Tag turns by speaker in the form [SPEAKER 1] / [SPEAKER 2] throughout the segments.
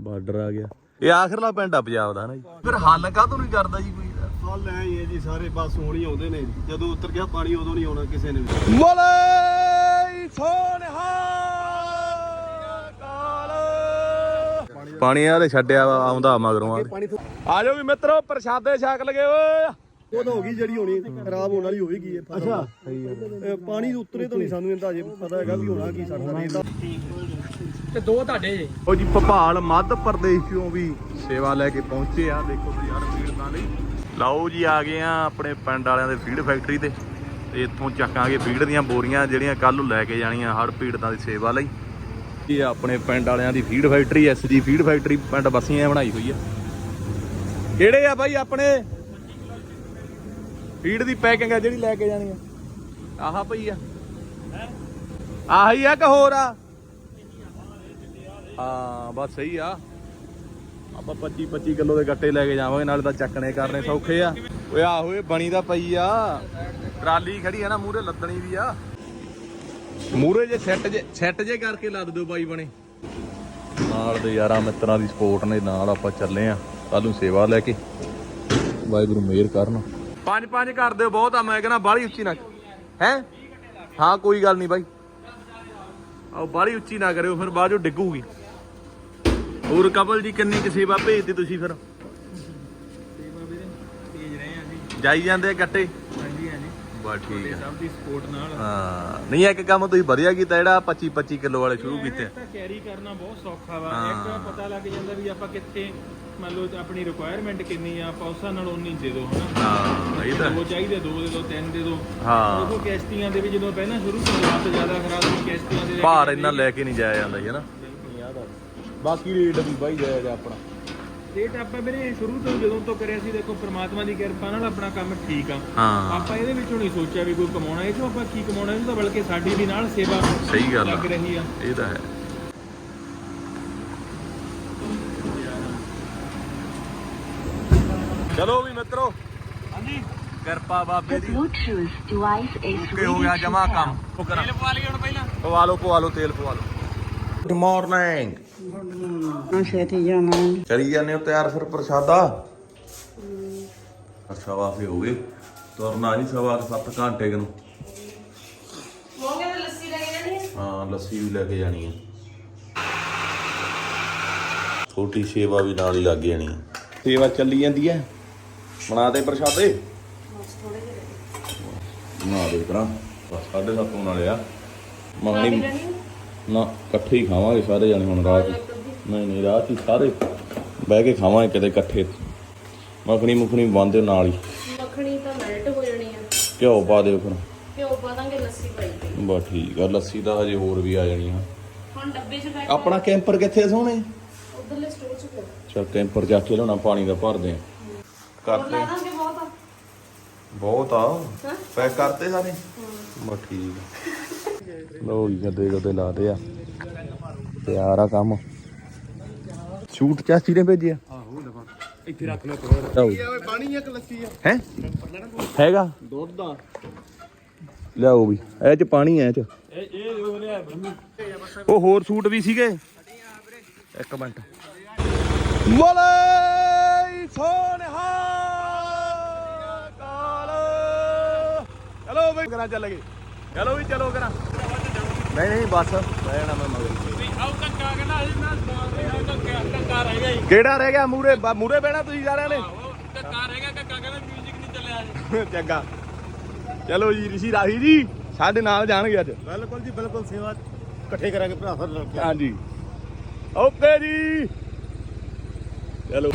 [SPEAKER 1] Border ਆ ਗਿਆ। ਇਹ ਆਖਰਲਾ ਪਿੰਡ ਆ ਪੰਜਾਬ ਦਾ ਹਨਾ ਜੀ। ਫਿਰ ਹੱਲ ਕਾਹਤੋਂ ਨਹੀਂ ਕਰਦਾ ਜੀ ਕੋਈ?
[SPEAKER 2] ਹੱਲ ਐ ਹੀ ਹੈ ਜੀ, ਸਾਰੇ ਬਸ ਹੁਣ ਹੀ ਆਉਂਦੇ ਨੇ, ਜਦੋਂ ਉਤਰ ਗਿਆ ਪਾਣੀ ਉਦੋਂ ਨਹੀਂ ਆਉਣਾ ਕਿਸੇ ਨੇ।
[SPEAKER 1] ਬੋਲੇ ਸੋਨਿਹਾ ਪਾਣੀ ਆ ਤੇ ਛੱਡਿਆ ਆਉਂਦਾ ਮਗਰੋਂ। ਆ ਜਾਓ ਵੀ ਮਿੱਤਰੋ, ਪ੍ਰਸ਼ਾਦੇ ਛਕ ਲਗੇ ਓਏ।
[SPEAKER 2] ਉਹ ਤਾਂ ਹੋ ਗਈ ਜਿਹੜੀ ਹੋਣੀ, ਖਰਾਬ ਹੋਣ ਵਾਲੀ ਹੋਵੇਗੀ। ਅੱਛਾ, ਪਾਣੀ ਦੇ ਉਤਰੇ ਤੋਂ ਨਹੀਂ ਸਾਨੂੰ ਇਹਦਾ ਅਜੇ ਪਤਾ ਹੈਗਾ ਵੀ ਹੋਣਾ ਕੀ ਸਾਡਾ ਰੇਤ ਦਾ।
[SPEAKER 3] ਤੇ ਦੋ ਤੁਹਾਡੇ
[SPEAKER 1] ਉਹ ਜੀ ਭੋਪਾਲ ਮੱਧ ਪ੍ਰਦੇਸ਼ ਚੋਂ ਵੀ ਸੇਵਾ ਲੈ ਕੇ ਪਹੁੰਚੇ ਆ। ਦੇਖੋ ਤੁਸੀਂ ਯਾਰ ਫੀਡਾਂ ਲਈ। ਲਓ ਜੀ ਆ ਗਏ ਆ ਆਪਣੇ ਪਿੰਡ ਵਾਲਿਆਂ ਦੇ ਫੀਡ ਫੈਕਟਰੀ ਤੇ ਇੱਥੋਂ ਚੱਕਾਂਗੇ ਫੀਡ ਦੀਆਂ ਬੋਰੀਆਂ ਜਿਹੜੀਆਂ ਕੱਲ ਨੂੰ ਲੈ ਕੇ ਜਾਣੀਆਂ ਹੜ੍ਹ ਪੀੜਤਾਂ ਦੀ ਸੇਵਾ ਲਈ। ਇਹ ਆਪਣੇ ਪਿੰਡ ਵਾਲਿਆਂ ਦੀ feed factory, SG feed factory ਪਿੰਡ ਬਸੀਆਂ ਬਣਾਈ ਹੋਈ ਆ। ਕਿਹੜੇ ਆ ਬਾਈ ਆਪਣੇ ਫੀਡ ਦੀ ਪੈਕਿੰਗ ਆ ਜਿਹੜੀ ਲੈ ਕੇ ਜਾਣੀ ਆ? ਆਹ ਪਈ ਆ, ਆਹੀ ਆ ਕਿ ਹੋਰ ਆ? ਹਾਂ ਬਸ ਸਹੀ ਆ। ਆਪਾਂ 25 ਕਿਲੋ ਦੇ ਗੱਟੇ ਲੈ ਕੇ ਜਾਵਾਂਗੇ, ਨਾਲੇ ਤਾਂ ਚੱਕਣੇ ਕਰਨੇ ਸੌਖੇ ਆ। ਓਏ ਆਹੋ ਇਹ ਬਣੀ ਤਾਂ ਪਈ ਆ, ਟਰਾਲੀ ਖੜੀ ਆ ਨਾ ਮੂਹਰੇ, ਲੱਦਣੀ ਵੀ ਆ ਮੂਹਰੇ। ਜੇ ਸੈੱਟ ਜੇ ਕਰਕੇ ਲੱਦ ਦਿਓ ਬਾਈ ਬਣੇ। ਨਾਲ ਦੇ ਯਾਰਾਂ ਮਿੱਤਰਾਂ ਦੀ ਸਪੋਰਟ ਨੇ ਨਾਲ ਆਪਾਂ ਚੱਲੇ ਆ ਕੱਲ ਨੂੰ ਸੇਵਾ ਲੈ ਕੇ। ਵਾਹਿਗੁਰੂ ਮਿਹਰ ਕਰਨ। 5 ਕਰ ਦਿਓ ਬਹੁਤ ਆ, ਮੈਂ ਕਹਿੰਦਾ ਬਾਹਲੀ ਉੱਚੀ ਨਾ ਹੈ। ਹਾਂ ਕੋਈ ਗੱਲ ਨਹੀਂ ਬਾਈ, ਆਓ ਬਾਹਲੀ ਉੱਚੀ ਨਾ ਕਰਿਓ ਫਿਰ ਬਾਅਦ ਚੋਂ ਡਿੱਗੂਗੀ। ਹੋਰ ਕਪਲ ਜੀ ਕਿੰਨੀ ਕੁ ਸੇਵਾ ਭੇਜਦੇ ਤੁਸੀਂ ਫਿਰ?
[SPEAKER 3] ਸੇਵਾ ਵੀਰੇ ਭੇਜ ਰਹੇ ਆ ਜੀ,
[SPEAKER 1] ਜਾਈ ਜਾਂਦੇ ਆ ਗੱਟੇ।
[SPEAKER 3] ਹਾਂਜੀ ਹਾਂਜੀ
[SPEAKER 1] ਬਸ ਠੀਕ ਆ,
[SPEAKER 3] ਸਭ ਦੀ ਸਪੋਰਟ ਨਾਲ।
[SPEAKER 1] ਹਾਂ ਨਹੀਂ ਇੱਕ ਕੰਮ ਤੁਸੀਂ ਵਧੀਆ ਕੀਤਾ ਜਿਹੜਾ 25 ਕਿਲੋ ਵਾਲੇ ਸ਼ੁਰੂ ਕੀਤੇ।
[SPEAKER 3] ਤਾਂ ਕੈਰੀ ਕਰਨਾ ਬਹੁਤ ਸੌਖਾ ਵਾ। ਇੱਕ ਪਤਾ ਲੱਗ ਜਾਂਦਾ ਵੀ ਆਪਾਂ ਕਿੱਥੇ, ਮੰਨ ਲਓ ਆਪਣੀ ਰਿਕੁਆਇਰਮੈਂਟ ਕਿੰਨੀ ਆ, ਆਪਾਂ ਉਸਾਂ ਨਾਲ ਉਨੀ ਦੇ ਦੋ ਹਨਾ।
[SPEAKER 1] ਹਾਂ ਇਹ ਤਾਂ
[SPEAKER 3] ਦੋ ਚਾਹੀਦੇ, 2 ਦੇ ਦੋ, 3 ਦੇ ਦੋ।
[SPEAKER 1] ਹਾਂ
[SPEAKER 3] ਉਹ ਕਿਸ਼ਤੀਆਂ ਦੇ ਵੀ ਜਦੋਂ ਪਹਿਲਾਂ ਸ਼ੁਰੂ ਤੋਂ ਰਾਤ ਜ਼ਿਆਦਾ ਖਰਾਬ ਸੀ, ਕਿਸ਼ਤੀਆਂ ਦੇ
[SPEAKER 1] ਭਾਰ ਇੰਨਾ ਲੈ ਕੇ ਨਹੀਂ ਜਾਇਆ ਜਾਂਦਾ ਜੀ ਹਨਾ। ਬਾਕੀ ਰੇਟ ਵੀ ਬਾਈ ਜਾਇਜ਼ ਆਪਣਾ
[SPEAKER 3] ਰੇਟ ਆਪਾਂ ਵੀਰੇ ਸ਼ੁਰੂ ਤੋਂ ਜਦੋਂ ਤੋਂ ਕਰਿਆ ਸੀ, ਦੇਖੋ ਪ੍ਰਮਾਤਮਾ ਦੀ ਕਿਰਪਾ ਨਾਲ ਆਪਣਾ ਕੰਮ ਠੀਕ ਆ।
[SPEAKER 1] ਹਾਂ
[SPEAKER 3] ਆਪਾਂ ਇਹਦੇ ਵਿੱਚੋਂ ਨਹੀਂ ਸੋਚਿਆ ਵੀ ਕੋਈ ਕਮਾਉਣਾ, ਇਹ ਚੋਂ ਆਪਾਂ ਕੀ ਕਮਾਉਣਾ, ਇਹ ਤਾਂ ਬਲਕਿ ਸਾਡੀ ਵੀ ਨਾਲ ਸੇਵਾ
[SPEAKER 1] ਸਹੀ ਗੱਲ
[SPEAKER 3] ਲੱਗ
[SPEAKER 1] ਆ,
[SPEAKER 3] ਰਹੀ ਆ।
[SPEAKER 1] ਇਹ ਤਾਂ ਹੈ। ਚਲੋ ਵੀ ਮਿੱਤਰੋ, ਹਾਂਜੀ ਕਿਰਪਾ ਬਾਬੇ ਦੀ। ਓਕੇ ਹੋ ਗਿਆ ਜਮਾ ਕੰਮ।
[SPEAKER 3] ਤੇਲ ਪਵਾ ਲਈਏ ਹੁਣ ਪਹਿਲਾਂ।
[SPEAKER 1] ਪਵਾ ਲਓ ਤੇਲ ਪਵਾ ਲਓ। Good morning.
[SPEAKER 4] ਛੇਤੀ ਜਾਣਾ।
[SPEAKER 1] ਕਰੀ ਜਾਂਦੇ ਹੋ ਤਿਆਰ ਫਿਰ ਪ੍ਰਸ਼ਾਦਾ? ਅੱਛਾ ਵਾਫੇ ਹੋ ਗਏ, ਤੁਰਨਾ ਨਹੀਂ 7 ਘੰਟੇ ਨੂੰ।
[SPEAKER 4] ਲੱਸੀ ਲੈ ਕੇ ਜਾਣੀ ਹੈ?
[SPEAKER 1] ਹਾਂ ਲੱਸੀ ਵੀ ਲੈ ਕੇ ਜਾਣੀ ਹੈ। ਛੋਟੀ ਸੇਵਾ ਵੀ ਨਾਲ ਹੀ ਲੱਗ ਜਾਣੀ ਹੈ। ਸੇਵਾ ਚੱਲੀ ਜਾਂਦੀ ਹੈ। ਬਣਾ ਦੇ ਪ੍ਰਸ਼ਾਦੇ। ਬਣਾ ਦੇ ਕਰਾਂ 7:30 ਵਾਲੇ ਆ। ਮੰਗਣੀ ਨਾ ਇਕੱਠੇ ਹੀ ਖਾਵਾਂਗੇ ਸਾਰੇ ਜਾਣੇ ਹੁਣ ਰਾਤ। ਨਹੀਂ ਰਾਤ ਹੀ ਸਾਰੇ ਬਹਿ ਕੇ ਖਾਵਾਂਗੇ ਕਿਤੇ ਇਕੱਠੇ। ਮੱਖਣੀ ਬੰਦ ਦਿਓ ਨਾਲ ਹੀ।
[SPEAKER 4] ਮੱਖਣੀ ਤਾਂ ਮੈਲਟ ਹੋ ਜਾਣੀ ਆ।
[SPEAKER 1] ਘਿਓ ਪਾ ਦਿਓ ਫਿਰ।
[SPEAKER 4] ਘਿਓ ਪਾ ਦਾਂਗੇ, ਲੱਸੀ ਪਾਈ ਤੇ।
[SPEAKER 1] ਬਸ ਠੀਕ ਆ, ਲੱਸੀ ਤਾਂ ਹਜੇ ਹੋਰ ਵੀ ਆ ਜਾਣੀ ਆ।
[SPEAKER 4] ਹੁਣ ਡੱਬੇ 'ਚ ਪੈਕ।
[SPEAKER 1] ਆਪਣਾ ਕੈਂਪਰ ਕਿੱਥੇ ਸੋਹਣੇ?
[SPEAKER 4] ਉਧਰਲੇ ਸਟੋਰ 'ਚ ਪਿਆ।
[SPEAKER 1] ਚਲ ਕੈਂਪਰ ਜਾ ਕੇ ਲਿਆਉਣਾ, ਪਾਣੀ ਦਾ ਭਰਦੇ ਆ। ਕਰਦੇ
[SPEAKER 4] ਲਾ ਦਾਂਗੇ ਬਹੁਤ ਆ।
[SPEAKER 1] ਬਹੁਤ ਆ ਪੈਕ ਕਰਤੇ ਸਾਰੇ। ਬਸ ਠੀਕ ਆ। ਲੋ ਜੀ ਗੱਦੇ ਲਾਦੇ ਆ, ਤਿਆਰ ਆ ਕੰਮ। ਸ਼ੂਟ ਚਾਚੀ ਨੇ ਭੇਜਿਆ।
[SPEAKER 3] ਇੱਥੇ ਰੱਖ ਲਓ।
[SPEAKER 2] ਪਾਣੀ ਇੱਕ ਲੱਸੀ ਆ
[SPEAKER 1] ਹੈ ਹੈਗਾ
[SPEAKER 2] ਦੁੱਧ ਦਾ।
[SPEAKER 1] ਲਿਆਓ ਵੀ ਇਹ ਚ ਪਾਣੀ ਐ ਚ।
[SPEAKER 3] ਇਹ ਉਹ ਲਿਆ ਬੰਮੀ।
[SPEAKER 1] ਉਹ ਹੋਰ ਸੂਟ ਵੀ ਸੀਗੇ। ਇੱਕ ਮਿੰਟ। ਬੋਲੇ ਸੋਨਿਹਾ ਕਾਲ। ਚਲੋ ਬਈ ਕਰਾਂ ਚੱਲ ਗਏ। ਚਲੋ ਵੀ ਚਲੋ ਕਰਾਂ। ਨਹੀਂ ਬਸ ਬਹਿ ਜਾਣਾ ਮੈਂ ਮਗਰ।
[SPEAKER 3] ਆਉ ਕੱਕਾ ਕਹਿੰਦਾ ਅਸੀਂ ਨਾ ਕੱਕਾ ਰਹਿ ਗਿਆ ਜੀ।
[SPEAKER 1] ਕਿਹੜਾ ਰਹਿ ਗਿਆ ਮੂਰੇ ਬਹਿਣਾ ਤੁਸੀਂ ਸਾਰਿਆਂ ਨੇ?
[SPEAKER 3] ਕੱਕਾ ਰਹਿ ਗਿਆ, ਕੱਕਾ ਕਹਿੰਦਾ ਮਿਊਜ਼ਿਕ ਨਹੀਂ ਚੱਲਿਆ ਜੀ।
[SPEAKER 1] ਚੰਗਾ ਚਲੋ ਜੀ ਰਿਸ਼ੀ ਰਾਹੀ ਜੀ ਸਾਡੇ ਨਾਲ ਜਾਣਗੇ ਅੱਜ।
[SPEAKER 2] ਬਿਲਕੁਲ ਜੀ ਬਿਲਕੁਲ, ਸੇਵਾ ਇਕੱਠੇ ਕਰਾਂਗੇ ਭਰਾ ਫਿਰ ਰਲ ਕੇ।
[SPEAKER 1] ਹਾਂਜੀ ਓਕੇ ਜੀ ਚਲੋ।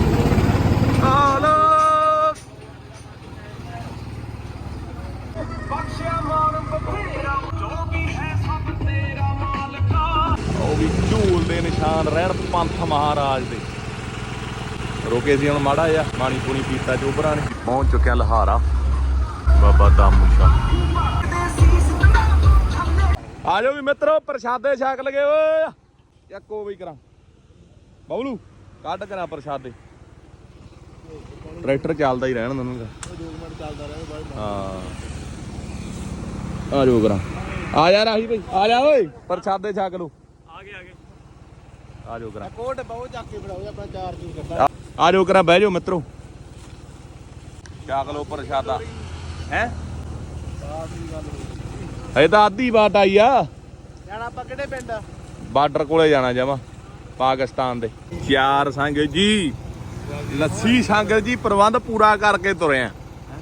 [SPEAKER 1] ਉਹ ਵੀ ਝੂਲ ਦੇ ਨਿਸ਼ਾਨ ਰਹਿਣ ਪੰਥ ਮਹਾਰਾਜ ਦੇ। ਰੋਕੇ ਸੀ ਹੁਣ ਮਾੜਾ ਜਿਹਾ ਪਾਣੀ ਪੂਣੀ ਪੀਤਾ ਚੋਬਰਾਂ ਨੇ। ਪਹੁੰਚ ਚੁੱਕਿਆ ਲਹਾਰਾ ਬਾਬਾ ਦਾਮੂ ਸ਼ਾਹ। ਆ ਜਾਓ ਵੀ ਮਿੱਤਰੋ ਪ੍ਰਸ਼ਾਦੇ ਛਕ ਲਗੇ ਓਏ। ਚੱਕੋ ਵੀ ਕਰਾਂ ਬਬਲੂ ਕੱਢ ਕਰਾਂ ਪ੍ਰਸ਼ਾਦੇ। ਟਰੈਕਟਰ ਚੱਲਦਾ ਹੀ ਰਹਿਣ ਦਨੂਗਾ।
[SPEAKER 2] 2 ਮਿੰਟ ਚੱਲਦਾ ਰਹੇ।
[SPEAKER 1] ਹਾਂ ਆ ਜਾਓ ਕਰਾਂ। ਆ ਜਾ ਰਾਹੀ ਭਾਈ ਆ ਜਾ ਓਏ ਪ੍ਰਸ਼ਾਦੇ ਛਕ ਲੋ।
[SPEAKER 3] ਆ ਗਏ
[SPEAKER 1] ਆ ਜਾਓ ਕਰਾਂ
[SPEAKER 2] ਕੋਟ ਬਹੁਤ ਚੱਕ ਕੇ ਫੜਾਓ ਆਪਣਾ ਚਾਰ ਚੂਰ ਕੱਢਾ
[SPEAKER 1] ਆ ਜਾਓ ਕਰਾਂ ਬਹਿ ਜਾਓ ਮਿੱਤਰੋ ਚੱਕ ਲੋ ਪ੍ਰਸ਼ਾਦਾ ਹੈ ਇਹ ਤਾਂ ਅੱਧੀ ਬਾਟ ਆਈ ਆ
[SPEAKER 2] ਜਾਣਾ ਆਪਾਂ ਕਿਹੜੇ ਪਿੰਡ
[SPEAKER 1] ਬਾਰਡਰ ਕੋਲੇ ਜਾਣਾ ਜਮਾ ਪਾਕਿਸਤਾਨ ਦੇ ਚਾਰ ਸੰਗ ਜੀ ਲੱਸੀ ਸੰਗ ਜੀ ਪ੍ਰਬੰਧ ਪੂਰਾ ਕਰਕੇ ਤੁਰੇ ਆ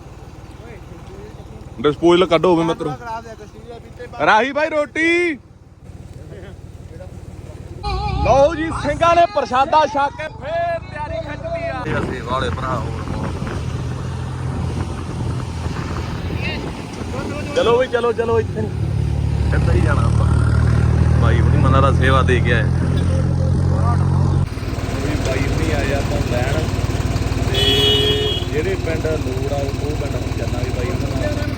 [SPEAKER 1] ਡਿਸਪੋਜ਼ਲ ਕੱਢੋ ਹੋਵੇ ਮਿੱਤਰੋ ਰਾਹੀ ਭਾਈ ਰੋਟੀ ਲਓ ਜੀ ਸਿੰਘਾਂ ਨੇ ਪ੍ਰਸ਼ਾਦਾ ਛਕ ਕੇ ਫੇਰ ਤਿਆਰੀ ਖਿੱਚਦੀ ਆ ਅਸੀਂ ਵਾਲੇ ਭਰਾ ਹੋਰ ਚਲੋ ਵੀ ਚਲੋ ਇੱਥੇ ਨਹੀਂ ਇੱਧਰ ਹੀ ਜਾਣਾ ਆਪਾਂ ਭਾਈ ਉਹਦੀ ਮਨਾਂ ਦਾ ਸੇਵਾ ਦੇ ਕੇ ਆਏ ਵੀ ਭਾਈ ਨਹੀਂ ਆਇਆ ਆਪਾਂ ਲੈਣ ਤੇ ਜਿਹੜੇ ਪਿੰਡ ਲੋੜ ਆ ਉਹ ਪਿੰਡ ਨੂੰ ਜਾਣਾ ਵੀ ਭਾਈ ਉਹਨਾਂ ਨਾਲ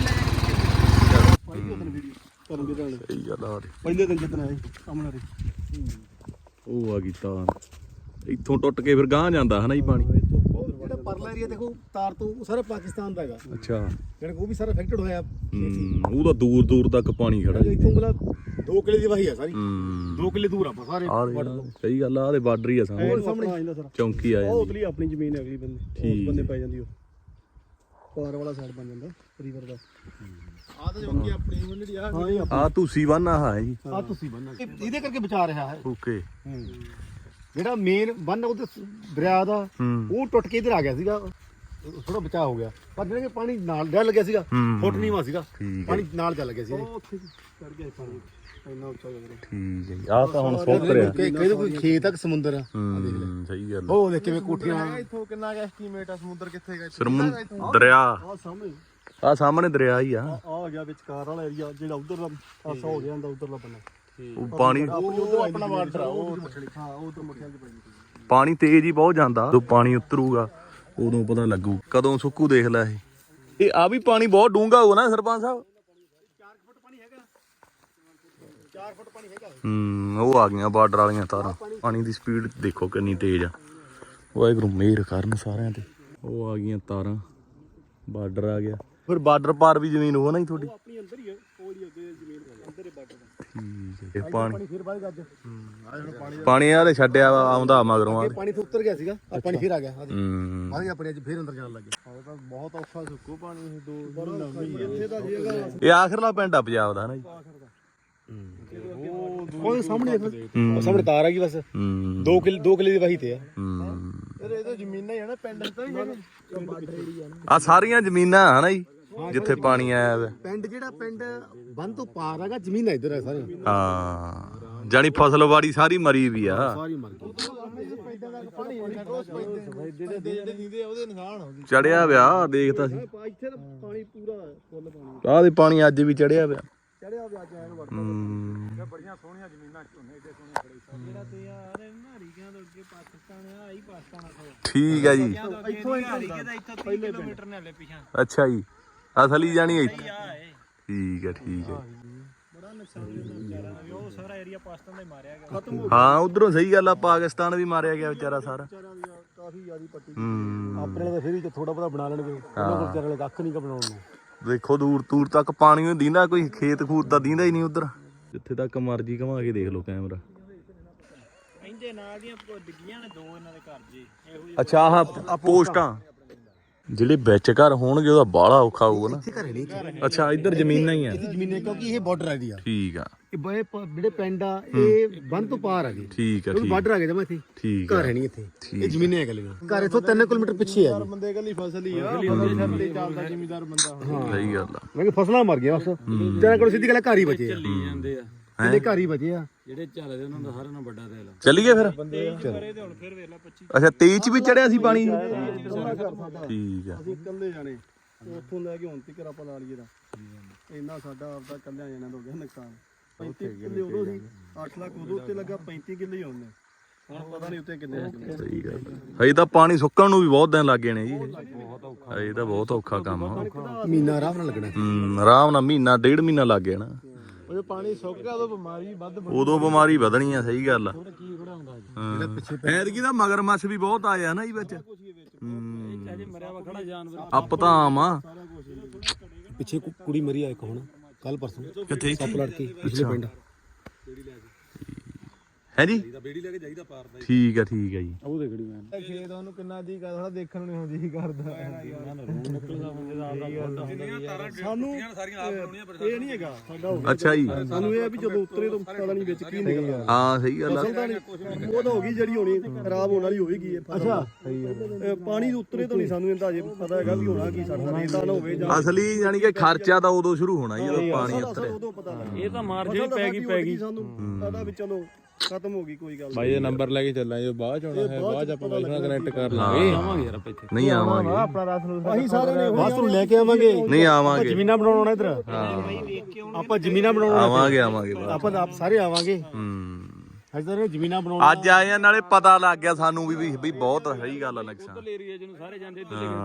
[SPEAKER 2] ਕਰਨ ਦੇ ਨਾਲ
[SPEAKER 1] ਸਹੀ ਗੱਲ ਆ
[SPEAKER 2] ਪਹਿਲੇ ਦਿਨ ਜਿੱਤਣਾ ਹੈ ਸਾਹਮਣੇ
[SPEAKER 1] ਉਹ ਆ ਗਈ ਤਾਰ ਇੱਥੋਂ ਟੁੱਟ ਕੇ ਫਿਰ ਗਾਂਹ ਜਾਂਦਾ ਹਨਾ ਜੀ ਪਾਣੀ
[SPEAKER 2] ਜਿਹੜਾ ਪਰਲਾ ਏਰੀਆ ਦੇਖੋ ਤਾਰ ਤੋਂ ਉਹ ਸਾਰਾ ਪਾਕਿਸਤਾਨ ਦਾ ਹੈਗਾ
[SPEAKER 1] ਅੱਛਾ
[SPEAKER 2] ਜਿਹੜਾ ਉਹ ਵੀ ਸਾਰਾ ਅਫੈਕਟਡ ਹੋਇਆ
[SPEAKER 1] ਉਹ ਤਾਂ ਦੂਰ ਤੱਕ ਪਾਣੀ ਖੜਾ ਜੀ
[SPEAKER 2] ਇੱਥੋਂ ਮਤਲਬ 2 ਕਿਲੇ ਦੀ ਵਾਹੀ ਆ ਸਾਰੀ 2 ਕਿਲੇ ਦੂਰ ਆਪਾਂ ਸਾਰੇ
[SPEAKER 1] ਸਹੀ ਗੱਲ ਆ ਉਹਦੇ ਬਾਰਡਰ ਹੀ ਆ
[SPEAKER 2] ਸਾਹਮਣੇ ਆ ਜਾਂਦਾ ਸਾਰਾ
[SPEAKER 1] ਚੌਂਕੀ ਆ
[SPEAKER 2] ਉਹ
[SPEAKER 1] ਜਾਂਦੀ
[SPEAKER 2] ਉਤਲੀ ਆਪਣੀ ਜ਼ਮੀਨ ਹੈ ਅਗਲੀ ਬੰਦੇ ਉਸ ਬੰਦੇ ਪੈ ਜਾਂਦੀ ਉਹ ਪਾਰ ਵਾਲਾ ਸਾਈਡ ਬਣ ਜਾਂਦਾ ਰਿਵਰ ਦਾ ਆ ਤਾਂ ਚੌਂਕੀ ਆਪਣੀ ਜਿਹੜੀ ਆ
[SPEAKER 1] ਆ ਤੁਸੀਂ ਬੰਨ ਆ ਹੈ ਜੀ
[SPEAKER 2] ਆ ਤੁਸੀਂ ਬੰਨਾ ਇਹਦੇ ਕਰਕੇ ਬਚਾ ਰਿਹਾ ਹੈ
[SPEAKER 1] ਓਕੇ
[SPEAKER 2] ਜਿਹੜਾ ਮੇਨ ਬੰਨ ਉਹਦੇ ਦਰਿਆ ਦਾ ਉਹ ਟੁੱਟ ਕੇ ਇਧਰ ਆ ਗਿਆ ਸੀਗਾ ਥੋੜਾ ਬਚਾ ਹੋ ਗਿਆ ਪਰ ਜਿਹੜਾ ਕਿ ਪਾਣੀ ਨਾਲ ਡਰ ਲੱਗਿਆ ਸੀਗਾ ਫੁੱਟ ਨੀਵਾ ਸੀਗਾ ਪਾਣੀ ਨਾਲ ਚੱਲ ਗਿਆ ਸੀ ਉੱਥੇ ਚੜ ਗਿਆ ਪਾਣੀ ਇੰਨਾ ਉੱਚਾ ਹੋ ਗਿਆ
[SPEAKER 1] ਠੀਕ ਹੈ ਆ ਤਾਂ ਹੁਣ ਸੁੱਕ ਰਿਹਾ
[SPEAKER 2] ਕਹਿੰਦੇ ਕੋਈ ਖੇਤ ਤੱਕ ਸਮੁੰਦਰ ਆ
[SPEAKER 1] ਸਹੀ ਗੱਲ
[SPEAKER 2] ਉਹ ਦੇਖ ਕਿਵੇਂ ਕੋਠੀਆਂ ਇੱਥੋਂ ਕਿੰਨਾ ਗਿਆ ਐਸਟੀਮੇਟ ਆ ਸਮੁੰਦਰ ਕਿੱਥੇ ਗਿਆ
[SPEAKER 1] ਦਰਿਆ
[SPEAKER 2] ਆ ਸਾਹਮਣੇ
[SPEAKER 1] ਆ ਸਾਹਮਣੇ ਦਰਿਆ ਹੀ ਆ
[SPEAKER 2] ਆ ਗਿਆ ਵਿਚਕਾਰ ਵਾਲਾ ਏਰੀਆ ਜਿਹੜਾ ਉਧਰ ਦਾ ਪਾਸਾ ਹੋ ਗਿਆ ਹੁੰਦਾ ਉਧਰਲਾ ਬੰਨਾ
[SPEAKER 1] ਉਹ ਪਾਣੀ
[SPEAKER 2] ਉਹ ਆਪਣਾ ਵਾਟਰ ਆ ਉਹ ਹਾਂ ਉਹ ਉਧਰ ਮੱਠਿਆਂ 'ਚ ਪੈਂਦੀ
[SPEAKER 1] ਪਾਣੀ ਤੇਜ਼ ਹੀ ਬਹੁਤ ਜਾਂਦਾ ਜਦੋਂ ਪਾਣੀ ਉਤਰੂਗਾ ਉਦੋਂ ਪਤਾ ਲੱਗੂ ਕਦੋਂ ਸੁੱਕੂ ਦੇਖ ਲੈ ਇਹ ਆ ਵੀ ਪਾਣੀ ਬਹੁਤ ਡੂੰਘਾ ਹੋਊ ਨਾ ਸਰਪੰਚ ਸਾਹਿਬ
[SPEAKER 2] 4 ਫੁੱਟ ਪਾਣੀ ਹੈਗਾ 4 ਫੁੱਟ ਪਾਣੀ ਹੈਗਾ
[SPEAKER 1] ਉਹ ਆ ਗਈਆਂ ਬਾਰਡਰ ਵਾਲੀਆਂ ਤਾਰਾਂ ਪਾਣੀ ਦੀ ਸਪੀਡ ਦੇਖੋ ਕਿੰਨੀ ਤੇਜ਼ ਆ ਵਾਹਿਗੁਰੂ ਮਿਹਰ ਕਰਨ ਸਾਰਿਆਂ ਤੇ ਉਹ ਆ ਗਈਆਂ ਤਾਰਾਂ ਬਾਰਡਰ ਆ ਗਿਆ ਫਿਰ ਬਾਰਡਰ ਪਾਰ ਵੀ ਜ਼ਮੀਨ ਹੋ ਨਾ ਜੀ ਤੁਹਾਡੀ
[SPEAKER 2] ਆਪਣੀ ਅੰਦਰ ਹੀ ਹੈ ਕੋਲ ਹੀ ਉਹਦੇ ਜ਼ਮੀਨ ਅੰਦਰ ਹੀ ਬਾਰਡਰ ਦਾ
[SPEAKER 1] ਠੀਕ ਹੈ ਪਾਣੀ
[SPEAKER 2] ਫਿਰ ਬਾਅਦ ਅੱਜ
[SPEAKER 1] ਪਾਣੀ ਆ ਤੇ ਛੱਡਿਆ ਆਉਂਦਾ ਮਗਰੋਂ ਆ
[SPEAKER 2] ਪਾਣੀ ਤੋਂ ਉੱਤਰ ਗਿਆ ਸੀਗਾ ਆ ਪਾਣੀ ਫਿਰ ਆ ਗਿਆ ਆ ਗਿਆ ਆਪਣੇ ਅੱਜ ਫਿਰ ਅੰਦਰ ਜਾਣ ਲੱਗੇ ਤਾਂ ਬਹੁਤ ਔਖਾ ਸੁੱਕੋ ਪਾਣੀ ਇਹ ਇੱਥੇ ਦਾ ਜੀਗਾ
[SPEAKER 1] ਇਹ ਆਖਰਲਾ ਪਿੰਡ ਆ ਪੰਜਾਬ ਦਾ ਹਨਾ ਜੀ
[SPEAKER 2] ਉਹ ਸਾਹਮਣੇ ਦੇਖ ਉਹ ਸਾਹਮਣੇ ਤਾਰ ਆ ਗਈ ਬਸ 2 ਕਿਲੇ ਦੀ ਵਾਹੀ ਤੇ ਆ ਇਹ ਤਾਂ ਜ਼ਮੀਨਾਂ ਹੀ ਆ ਨਾ ਪਿੰਡ ਤਾਂ ਨਹੀਂ
[SPEAKER 1] ਆ ਸਾਰੀਆਂ ਜ਼ਮੀਨਾਂ ਹਨਾ ਜੀ ਜਿੱਥੇ ਪਾਣੀ ਆਇਆ ਵਾ
[SPEAKER 2] ਪਿੰਡ ਜਿਹੜਾ ਪਿੰਡ ਬੰਨ ਤੋਂ ਪਾਰ ਹੈਗਾ ਜ਼ਮੀਨ ਇੱਧਰ ਹੈ ਸਾਰੀ
[SPEAKER 1] ਹਾਂ ਜਾਨੀ ਫਸਲਵਾੜੀ ਸਾਰੀ ਮਰੀ ਵੀ ਆ
[SPEAKER 2] ਸਾਰੀ ਮਰ ਗਈ ਜਿਹੜੇ ਨੀਂਦੇ ਉਹਦੇ ਨਿਸ਼ਾਨ ਹੋ ਗਏ
[SPEAKER 1] ਚੜਿਆ ਵਿਆ ਦੇਖਤਾ ਸੀ
[SPEAKER 2] ਇੱਥੇ ਤਾਂ ਪਾਣੀ ਪੂਰਾ ਫੁੱਲ ਪਾਣੀ
[SPEAKER 1] ਆਹ ਦੇ ਪਾਣੀ ਅੱਜ ਵੀ ਚੜਿਆ ਵਿਆ
[SPEAKER 2] ਚੜਿਆ ਵੀ ਅੱਜ ਐਨ ਵੜ ਬੜੀਆਂ ਸੋਹਣੀਆਂ ਜ਼ਮੀਨਾਂ ਝੋਨੇ ਏਡੇ ਸੋਹਣੇ ਖੜੇ ਜਿਹੜਾ ਤੇ ਯਾਰ ਹਰੀਕਿਆਂ ਤੋਂ ਅੱਗੇ ਪਾਕਿਸਤਾਨ ਆ ਆਹੀ ਪਾਕਿਸਤਾਨ ਆ
[SPEAKER 1] ਠੀਕ ਹੈ ਜੀ
[SPEAKER 2] ਇੱਥੋਂ ਹਰੀਕੇ ਦਾ ਇੱਥੋਂ 30 ਕਿਲੋਮੀਟਰ ਨੇ ਹਲੇ ਪਿਛਾਂ
[SPEAKER 1] ਅੱਛਾ ਜੀ ਅਸਲੀ ਜਾਣੀ ਇੱਥੇ ਠੀਕ ਹੈ
[SPEAKER 2] ਬੜਾ ਨੁਕਸਾਨ ਵਿਚਾਰਾ ਉਹ ਸਾਰਾ ਏਰੀਆ ਪਾਕਿਸਤਾਨ ਦਾ ਹੀ ਮਾਰਿਆ ਗਿਆ ਖਤਮ ਹੋ
[SPEAKER 1] ਹਾਂ ਉਧਰੋਂ ਸਹੀ ਗੱਲ ਆ ਪਾਕਿਸਤਾਨ ਵੀ ਮਾਰਿਆ ਗਿਆ ਵਿਚਾਰਾ ਸਾਰਾ
[SPEAKER 2] ਕਾਫੀ ਜ਼ਿਆਦੀ ਪੱਟੀ ਆਪਣੇ ਤਾਂ ਫਿਰ ਵੀ ਥੋੜਾ ਬਹੁਤਾ ਬਣਾ ਲੈਣਗੇ ਉਹਨਾਂ ਕੋਲ ਵਿਚਾਰੇ ਵਾਲੇ ਕੱਖ ਨਹੀਂ ਕ ਬਣਾਉਣ ਨੂੰ
[SPEAKER 1] ਦੇਖੋ ਦੂਰ ਤੱਕ ਪਾਣੀ ਨੂੰ ਦੀਂਦਾ ਕੋਈ ਖੇਤ ਖੂਤ ਤਾਂ ਦੀਂਦਾ ਹੀ ਨਹੀਂ ਉਧਰ ਜਿੱਥੇ ਤੱਕ ਮਰਜੀ ਘੁਮਾ ਕੇ ਦੇਖ ਲਓ ਕੈਮਰਾ
[SPEAKER 3] ਇਹਦੇ ਨਾਲ ਦੀਆਂ ਡਿੱਗੀਆਂ ਨੇ 2 ਇਹਨਾਂ ਦੇ ਘਰ ਜੀ ਇਹੋ
[SPEAKER 1] ਅੱਛਾ ਆਹ ਪੋਸਟਾਂ ਜਿਹੜੇ ਵਿੱਚ ਘਰ ਹੋਣਗੇ ਉਹਦਾ ਬਾਹਲਾ ਔਖਾ ਹੋਊਗਾ ਨਾ
[SPEAKER 2] ਇੱਥੇ ਘਰੇ ਨਹੀਂ
[SPEAKER 1] ਅੱਛਾ ਇੱਧਰ ਜ਼ਮੀਨਾਂ ਹੀ ਆ
[SPEAKER 2] ਇਹਦੀ ਜ਼ਮੀਨ ਕਿਉਂਕਿ ਇਹ ਬਾਰਡਰ ਏਰੀਆ
[SPEAKER 1] ਠੀਕ ਆ
[SPEAKER 2] ਇਹ ਜਿਹੜੇ ਪਿੰਡ ਆ ਇਹ ਬੰਨ ਤੋਂ ਪਾਰ ਆ ਗਏ
[SPEAKER 1] ਠੀਕ ਆ
[SPEAKER 2] ਉਹ ਬਾਰਡਰ ਆ ਗਿਆ ਜਮਾ ਇੱਥੇ
[SPEAKER 1] ਠੀਕ
[SPEAKER 2] ਘਰ ਹੈ ਨਹੀਂ ਇੱਥੇ ਇਹ ਜ਼ਮੀਨਾਂ ਹੈ ਗਲੀਆਂ ਘਰ ਇਥੋਂ 3 ਕਿਲੋਮੀਟਰ ਪਿੱਛੇ ਆ ਬੰਦੇ ਗਲੀ ਫਸਲ ਹੀ ਆ ਬੰਦੇ ਸਿਰ ਤੇ ਚੱਲਦਾ ਜ਼ਿਮੀਦਾਰ ਬੰਦਾ
[SPEAKER 1] ਸਹੀ ਗੱਲ ਆ
[SPEAKER 2] ਮੈਂ ਕਿ ਫਸਲਾਂ ਮਰ ਗਈਆਂ ਬਸ ਤੇਰਾ ਕੋਲ ਸਿੱਧੀ ਗੱਲ ਘਰ ਹੀ ਬਚੇ ਆ
[SPEAKER 3] ਚੱਲੀ ਜਾਂਦੇ ਆ
[SPEAKER 2] ਇਹਦੇ ਘਰ ਹੀ ਬਚੇ ਆ
[SPEAKER 3] ਜਿਹੜੇ ਚੱਲਦੇ ਉਹਨਾਂ ਦਾ ਸਾਰਿਆਂ ਨਾਲੋਂ ਵੱਡਾ ਤੇਲ
[SPEAKER 1] ਚੱਲੀਏ ਫਿਰ
[SPEAKER 3] ਕਰੇ ਤੇ ਹੁਣ ਫਿਰ ਵੇਖ ਲੈ 25
[SPEAKER 1] ਅੱਛਾ 23 ਚ ਵੀ ਚੜਿਆ ਸੀ ਪਾਣੀ ਠੀਕ ਆ
[SPEAKER 2] ਅਸੀਂ ਇਕੱਲੇ ਜਾਣੇ ਉੱਥੋਂ ਲੈ ਕੇ ਹੁਣ ਤੱਕ ਆਪਾਂ ਲਾ ਲਈਏ ਦਾ ਇੰਨਾ ਸਾਡਾ ਆਪਦਾ ਇਕੱਲਿਆਂ ਜਾਣਾ ਹੋ ਗਿਆ ਨੁਕਸਾਨ 35 ਕਿੱਲੇ ਉਦੋਂ ਸੀ 8 ਲੱਖ ਉਦੋਂ ਉੱਤੇ ਲੱਗਾ 35 ਕਿੱਲੇ ਹੀ ਹੁੰਦੇ ਹੁਣ ਪਤਾ ਨਹੀਂ ਉੱਤੇ ਕਿੰਨੇ ਲੱਗਣੇ
[SPEAKER 1] ਸਹੀ ਗੱਲ ਹਜੇ ਤਾਂ ਪਾਣੀ ਸੁੱਕਣ ਨੂੰ ਵੀ ਬਹੁਤ ਦਿਨ ਲੱਗ ਗਏ ਨੇ ਜੀ ਹਜੇ ਤਾਂ ਬਹੁਤ ਔਖਾ ਕੰਮ ਆ
[SPEAKER 2] ਮਹੀਨਾ ਆਰਾਮ ਨਾਲ ਲੱਗਣਾ
[SPEAKER 1] ਆਰਾਮ ਨਾਲ ਮਹੀਨਾ 1.5 ਮਹੀਨਾ ਲੱਗ ਗਿਆ ਨਾ
[SPEAKER 2] ਉਹ ਪਾਣੀ ਸੁੱਕ ਗਿਆ ਉਦੋਂ ਬਿਮਾਰੀ ਵੱਧ
[SPEAKER 1] ਉਦੋਂ ਬਿਮਾਰੀ ਵਧਣੀ ਆ ਸਹੀ ਗੱਲ ਆ
[SPEAKER 2] ਕੀ ਖੜਾਉਂਦਾ
[SPEAKER 1] ਹਾਂ ਐਤਕੀ ਤਾਂ ਮਗਰਮੱਛ ਵੀ ਬਹੁਤ ਆਇਆ ਨਾ ਜੀ ਵਿੱਚ
[SPEAKER 3] ਅਜੇ ਮਰਿਆ ਵਾ ਖੜਾ ਜਾਨਵਰ
[SPEAKER 1] ਅੱਪ ਤਾਂ ਆਮ ਆ
[SPEAKER 2] ਪਿੱਛੇ ਕੁੜੀ ਮਰੀ ਆ ਇੱਕ ਹੁਣ ਕੱਲ ਪਰਸੋਂ
[SPEAKER 1] ਕਿੱਥੇ
[SPEAKER 2] ਸੱਪ ਲੜ ਕੇ ਪਿਛਲੇ ਪਿੰਡ
[SPEAKER 1] ਹੈ ਜੀ
[SPEAKER 2] ਬੇੜੀ ਲੈ ਕੇ ਜਾਈਦਾ ਪਾਰਦਾ
[SPEAKER 1] ਠੀਕ ਆ ਜੀ
[SPEAKER 2] ਉਹ ਦੇਖੜੀ ਮੈਂ
[SPEAKER 5] ਖੇਤ ਉਹਨੂੰ ਕਿੰਨਾ ਜੀ ਕਰਦਾ ਦੇਖਣ ਨੂੰ ਨਹੀਂ ਹੁੰਦੀ ਜੀ ਕਰਦਾ
[SPEAKER 2] ਸਾਨੂੰ ਸਾਰੀਆਂ ਆਪ ਬਣਾਉਣੀਆਂ ਇਹ ਨਹੀਂ ਹੈਗਾ ਸਾਡਾ
[SPEAKER 1] ਅੱਛਾ ਜੀ
[SPEAKER 2] ਸਾਨੂੰ ਇਹ ਆ ਵੀ ਜਦੋਂ ਉਤਰੇ ਤੋਂ ਪਤਾ ਨਹੀਂ ਵਿੱਚ ਕੀ ਨਿਕਲਦਾ
[SPEAKER 1] ਹਾਂ ਸਹੀ ਗੱਲ ਆ
[SPEAKER 2] ਉਹ ਤਾਂ ਹੋ ਗਈ ਜਿਹੜੀ ਹੋਣੀ ਖਰਾਬ ਹੋਣ ਵਾਲੀ ਹੋਵੇਗੀ ਅੱਛਾ ਪਾਣੀ ਦੇ ਉਤਰੇ ਤੋਂ ਨਹੀਂ ਸਾਨੂੰ ਇਹਦਾ ਅਜੇ ਪਤਾ ਹੈਗਾ ਵੀ ਹੋਣਾ ਕੀ ਸਾਡਾ ਰੇਤਾ ਨਾ ਹੋਵੇ ਜਾਂ
[SPEAKER 1] ਅਸਲੀ ਯਾਨੀ ਕਿ ਖਰਚਾ ਤਾਂ ਉਦੋਂ ਸ਼ੁਰੂ ਹੋਣਾ ਜੀ ਜਦੋਂ ਪਾਣੀ ਉਤਰੇ
[SPEAKER 2] ਉਦੋਂ ਪਤਾ ਲੱਗ
[SPEAKER 3] ਇਹ ਤਾਂ ਮਾਰਜਨ ਪੈ ਗਈ
[SPEAKER 2] ਸਾਨੂੰ ਪਤਾ ਵੀ ਚਲੋ ਖਤਮ ਹੋ ਗਈ ਕੋਈ ਗੱਲ
[SPEAKER 5] ਭਾਈ ਇਹ ਨੰਬਰ ਲੈ ਕੇ ਚੱਲਾਂ ਜੇ ਬਾਅਦ ਚ ਆਉਣਾ ਹੈ ਬਾਅਦ ਚ ਆਪਾਂ ਬਾਈ ਨਾਲ ਕਨੈਕਟ ਕਰ ਲਾਂਗੇ
[SPEAKER 3] ਆਵਾਂਗੇ ਯਾਰ ਆਪਾਂ ਇੱਥੇ
[SPEAKER 1] ਨਹੀਂ ਆਵਾਂਗੇ
[SPEAKER 5] ਆਪਣਾ ਰਸ ਨੂੰ
[SPEAKER 2] ਅਸੀਂ ਸਾਰੇ ਨੇ ਬਸ ਨੂੰ ਲੈ ਕੇ ਆਵਾਂਗੇ
[SPEAKER 1] ਨਹੀਂ ਆਵਾਂਗੇ
[SPEAKER 2] ਜ਼ਮੀਨਾਂ ਬਣਾਉਣਾ ਇੱਧਰ ਆਪਾਂ ਜ਼ਮੀਨਾਂ ਬਣਾਉਣਾ
[SPEAKER 1] ਆਵਾਂਗੇ
[SPEAKER 2] ਆਪਾਂ ਆਪ ਸਾਰੇ ਆਵਾਂਗੇ ਇੱਧਰ ਜ਼ਮੀਨਾਂ ਬਣਾਉਣਾ
[SPEAKER 1] ਅੱਜ ਆਏ ਆ ਨਾਲੇ ਪਤਾ ਲੱਗ ਗਿਆ ਸਾਨੂੰ ਵੀ ਬਹੁਤ ਸਹੀ ਗੱਲ ਆ ਨਕਸ਼ਾ
[SPEAKER 3] ਏਰੀਆ ਜਿਹਨੂੰ ਸਾਰੇ ਜਾਂਦੇ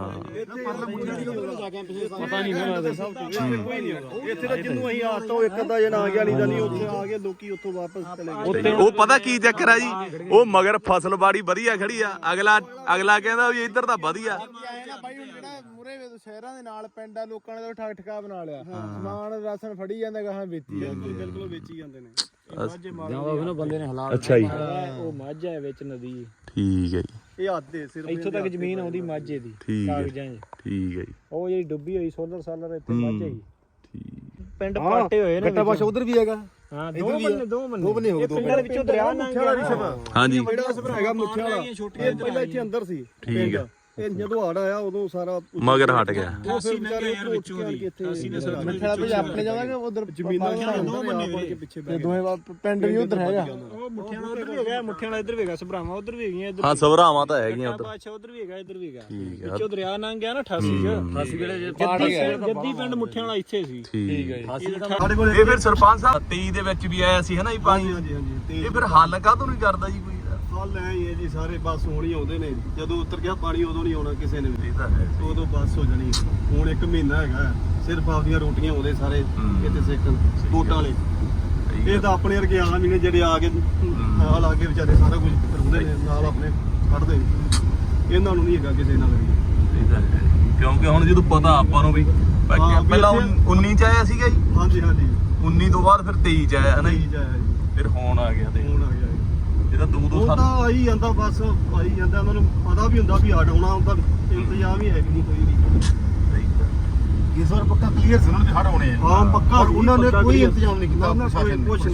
[SPEAKER 2] ਪਤਾ ਨਹੀਂ ਲੱਗਦਾ ਸਭ ਕੋਈ ਨਹੀਂ ਹੋਗਾ ਇੱਥੇ ਤਾਂ ਜਿੰਨੂੰ ਅਸੀਂ ਆਤਾ ਉਹ ਇੱਕ ਅੱਧਾ ਜਣਾ ਆ ਗਿਆ ਨਹੀਂ ਤਾਂ ਨਹੀਂ ਉੱਥੇ ਆ ਗਏ ਲੋਕੀ ਉੱਥੋਂ ਵਾਪਸ ਚਲੇ ਗਏ
[SPEAKER 1] ਉਹ ਪਤਾ ਕੀ ਚੱਕਰ ਆ ਜੀ ਉਹ ਮਗਰ ਫਸਲਬਾੜੀ ਵਧੀਆ ਖੜੀ ਆ ਅਗਲਾ ਕਹਿੰਦਾ ਵੀ ਇੱਧਰ ਤਾਂ ਵਧੀਆ
[SPEAKER 5] ਆਏ ਨਾ ਬਾਈ ਹੁਣ ਜਿਹੜਾ ਮੂਰੇ ਸ਼ਹਿਰਾਂ ਦੇ ਨਾਲ ਪਿੰਡ ਆ ਲੋਕਾਂ ਨੇ ਤਾਂ ਠੱਕਾ ਬਣਾ ਲਿਆ ਸਮਾਨ ਰਾਸ਼ਨ ਫੜੀ ਜਾਂਦਾ ਗਾਹਾਂ ਵੇਚੀ ਜਾਂਦੇ
[SPEAKER 2] ਬਿਲਕੁਲ ਵੇਚੀ ਜਾਂਦੇ ਨੇ
[SPEAKER 3] ਜਾਂ ਬੰਦੇ ਨੇ ਹਾਲਾਤ
[SPEAKER 1] ਅੱਛਾ ਜੀ
[SPEAKER 3] ਉਹ ਮੱਝ ਹੈ ਵਿੱਚ ਨਦੀ
[SPEAKER 1] ਠੀਕ ਹੈ ਜੀ
[SPEAKER 2] ਇਹ ਹੱਥ ਦੇ ਸਿਰ
[SPEAKER 3] ਇੱਥੋਂ ਤੱਕ ਜ਼ਮੀਨ ਆਉਂਦੀ ਮਾਝੇ ਦੀ
[SPEAKER 1] ਠੀਕ ਹੈ
[SPEAKER 3] ਕਾਗਜ਼ਾਂ 'ਚ
[SPEAKER 1] ਠੀਕ ਹੈ ਜੀ
[SPEAKER 3] ਉਹ ਜਿਹੜੀ ਡੁੱਬੀ ਹੋਈ ਸੋਲਰ ਸਾਲਰ ਇੱਥੇ ਮਾਝੇ ਦੀ
[SPEAKER 1] ਠੀਕ
[SPEAKER 3] ਪਿੰਡ ਪਾਟੇ ਹੋਏ ਨੇ
[SPEAKER 2] ਗੱਟਾ ਬਾਸ਼ਾ ਉਧਰ ਵੀ ਹੈਗਾ
[SPEAKER 3] ਹਾਂ ਦੋ ਬੰਨੇ
[SPEAKER 2] ਦੋ ਬੰਨੇ ਹੋ ਗਏ ਦੋ
[SPEAKER 3] ਪਿੰਡਾਂ ਦੇ ਵਿੱਚੋਂ ਦਰਿਆ ਲੰਘ ਗਿਆ
[SPEAKER 1] ਹਾਂਜੀ
[SPEAKER 2] ਜਿਹੜਾ ਹੈਗਾ ਮੁੱਠਿਆ ਵਾਲਾ ਇਹ ਪਹਿਲਾਂ ਇੱਥੇ ਅੰਦਰ ਸੀ
[SPEAKER 1] ਠੀਕ ਆ
[SPEAKER 2] ਇਹ ਜਦੋਂ ਹੜ ਆਇਆ ਉਦੋਂ ਸਾਰਾ
[SPEAKER 1] ਮਗਰ ਹਟ ਗਿਆ
[SPEAKER 2] ਉਹ ਫਿਰ ਵਿਚਾਰੇ ਵਿੱਚੋਂ ਦੀ
[SPEAKER 5] ਮਿੱਠੜਾ ਭਾਈ ਆਪਣੇ ਜਾਵਾਂਗੇ ਉਧਰ
[SPEAKER 2] ਜ਼ਮੀਨਾਂ ਦੋ ਬੰਨੇ ਕੇ ਪਿੱਛੇ
[SPEAKER 5] ਤੇ ਦੋਵੇਂ ਪਿੰਡ ਵੀ ਉਧਰ ਹੈਗਾ
[SPEAKER 3] ਉਹ ਮੁੱਠਿਆਂ ਵਾਲਾ ਉਧਰ ਵੀ ਹੈਗਾ ਮੁੱਠਿਆਂ ਵਾਲਾ ਇੱਧਰ ਵੀ ਹੈਗਾ ਸਭਰਾਵਾਂ ਉਧਰ ਵੀ ਹੈਗੀਆਂ ਇੱਧਰ
[SPEAKER 1] ਹਾਂ ਸਵਰਾਵਾਂ ਤਾਂ ਹੈਗੀਆਂ ਉਧਰ
[SPEAKER 3] ਬਾਦਸ਼ਾਹ ਉਧਰ ਵੀ ਹੈਗਾ ਇੱਧਰ ਵੀ ਹੈਗਾ
[SPEAKER 1] ਠੀਕ ਆ
[SPEAKER 3] ਵਿੱਚੋਂ ਦਰਿਆ ਲੰਘ ਗਿਆ ਨਾ 88 ਚ 88 ਵੇਲੇ ਜੱਦੀ ਪਿੰਡ ਮੁੱਠਿਆਂ ਵਾਲਾ ਇੱਥੇ ਸੀ
[SPEAKER 1] ਠੀਕ ਹੈ
[SPEAKER 2] ਸਾਡੇ ਕੋਲ
[SPEAKER 1] ਇਹ ਫਿਰ ਸਰਪੰਚ ਸਾਹਿਬ 23 ਦੇ ਵਿੱਚ ਵੀ ਆਇਆ ਸੀ ਹਨਾ ਜੀ ਪਾਣੀ
[SPEAKER 2] ਹਾਂਜੀ ਹਾਂਜੀ
[SPEAKER 1] ਇਹ ਫਿਰ ਹੱਲ ਕਾਹਤੋਂ ਨਹੀਂ ਕਰਦਾ ਜੀ ਕੋਈ
[SPEAKER 2] ਹਾਲ ਐ ਹੀ ਹੈ ਜੀ ਸਾਰੇ ਬੱਸ ਹੋਣ ਹੀ ਆਉਂਦੇ ਨੇ ਜਦੋਂ ਉਤਰ ਗਿਆ ਪਾਣੀ ਉਦੋਂ ਨਹੀਂ ਆਉਣਾ ਕਿਸੇ ਨੇ ਵੀ
[SPEAKER 1] ਇਹ ਤਾਂ ਹੈ
[SPEAKER 2] ਉਦੋਂ ਬੱਸ ਹੋ ਜਾਣੀ ਹੁਣ 1 ਮਹੀਨਾ ਹੈਗਾ ਸਿਰਫ ਆਪਦੀਆਂ ਰੋਟੀਆਂ ਆਉਂਦੇ ਸਾਰੇ ਇੱਥੇ ਸਿੱਖਣ ਵੋਟਾਂ ਵਾਲੇ ਇਹ ਤਾਂ ਆਪਣੇ ਵਰਗੇ ਆਮ ਹੀ ਨੇ ਜਿਹੜੇ ਆ ਕੇ ਨਾਲ ਆ ਕੇ ਵਿਚਾਰੇ ਸਾਰਾ ਕੁਝ ਕਰਾਉਂਦੇ ਨੇ ਨਾਲ ਆਪਣੇ ਕੱਢਦੇ ਇਹਨਾਂ ਨੂੰ ਨਹੀਂ ਹੈਗਾ ਕਿਸੇ ਨਾਲ ਵੀ
[SPEAKER 1] ਇਹ ਤਾਂ ਹੈ ਕਿਉਂਕਿ ਹੁਣ ਜਦੋਂ ਪਤਾ ਆਪਾਂ ਨੂੰ ਵੀ ਪਹਿਲਾਂ 19 ਚ ਆਇਆ ਸੀਗਾ ਜੀ
[SPEAKER 2] ਹਾਂਜੀ ਹਾਂਜੀ
[SPEAKER 1] 19 ਤੋਂ ਬਾਅਦ ਫਿਰ 23 ਚ ਆਇਆ ਹਨਾ ਜੀ
[SPEAKER 2] ਜਾਇਆ ਜੀ
[SPEAKER 1] ਫਿਰ ਹੁਣ ਆ ਗਿਆ ਤੇ
[SPEAKER 2] ਹੁਣ ਆ ਗਿਆ
[SPEAKER 1] ਇਹ ਤਾਂ ਦੋ
[SPEAKER 2] ਉਹ
[SPEAKER 1] ਸਾਲ
[SPEAKER 2] ਤਾਂ ਆਈ ਜਾਂਦਾ ਬਸ ਆਈ ਜਾਂਦਾ ਉਹਨਾਂ ਨੂੰ ਪਤਾ ਵੀ ਹੁੰਦਾ ਵੀ ਹਟ ਆਉਣਾ ਉਹਦਾ ਇੰਤਜ਼ਾਮ ਹੀ ਹੈ ਵੀ ਨਹੀਂ ਕੋਈ ਵੀ
[SPEAKER 1] ਸਹੀ ਤਾਂ
[SPEAKER 2] ਇਸ ਵਾਰ ਪੱਕਾ ਕਲੀਅਰ ਸੀ ਉਹਨਾਂ ਦੇ ਹਟ ਆਉਣੇ ਆ ਹਾਂ ਪੱਕਾ ਉਹਨਾਂ ਨੇ ਕੋਈ ਇੰਤਜ਼ਾਮ ਨਹੀਂ ਕੀਤਾ ਪ੍ਰਸ਼ਾਸਨ ਨੇ ਕੁਛ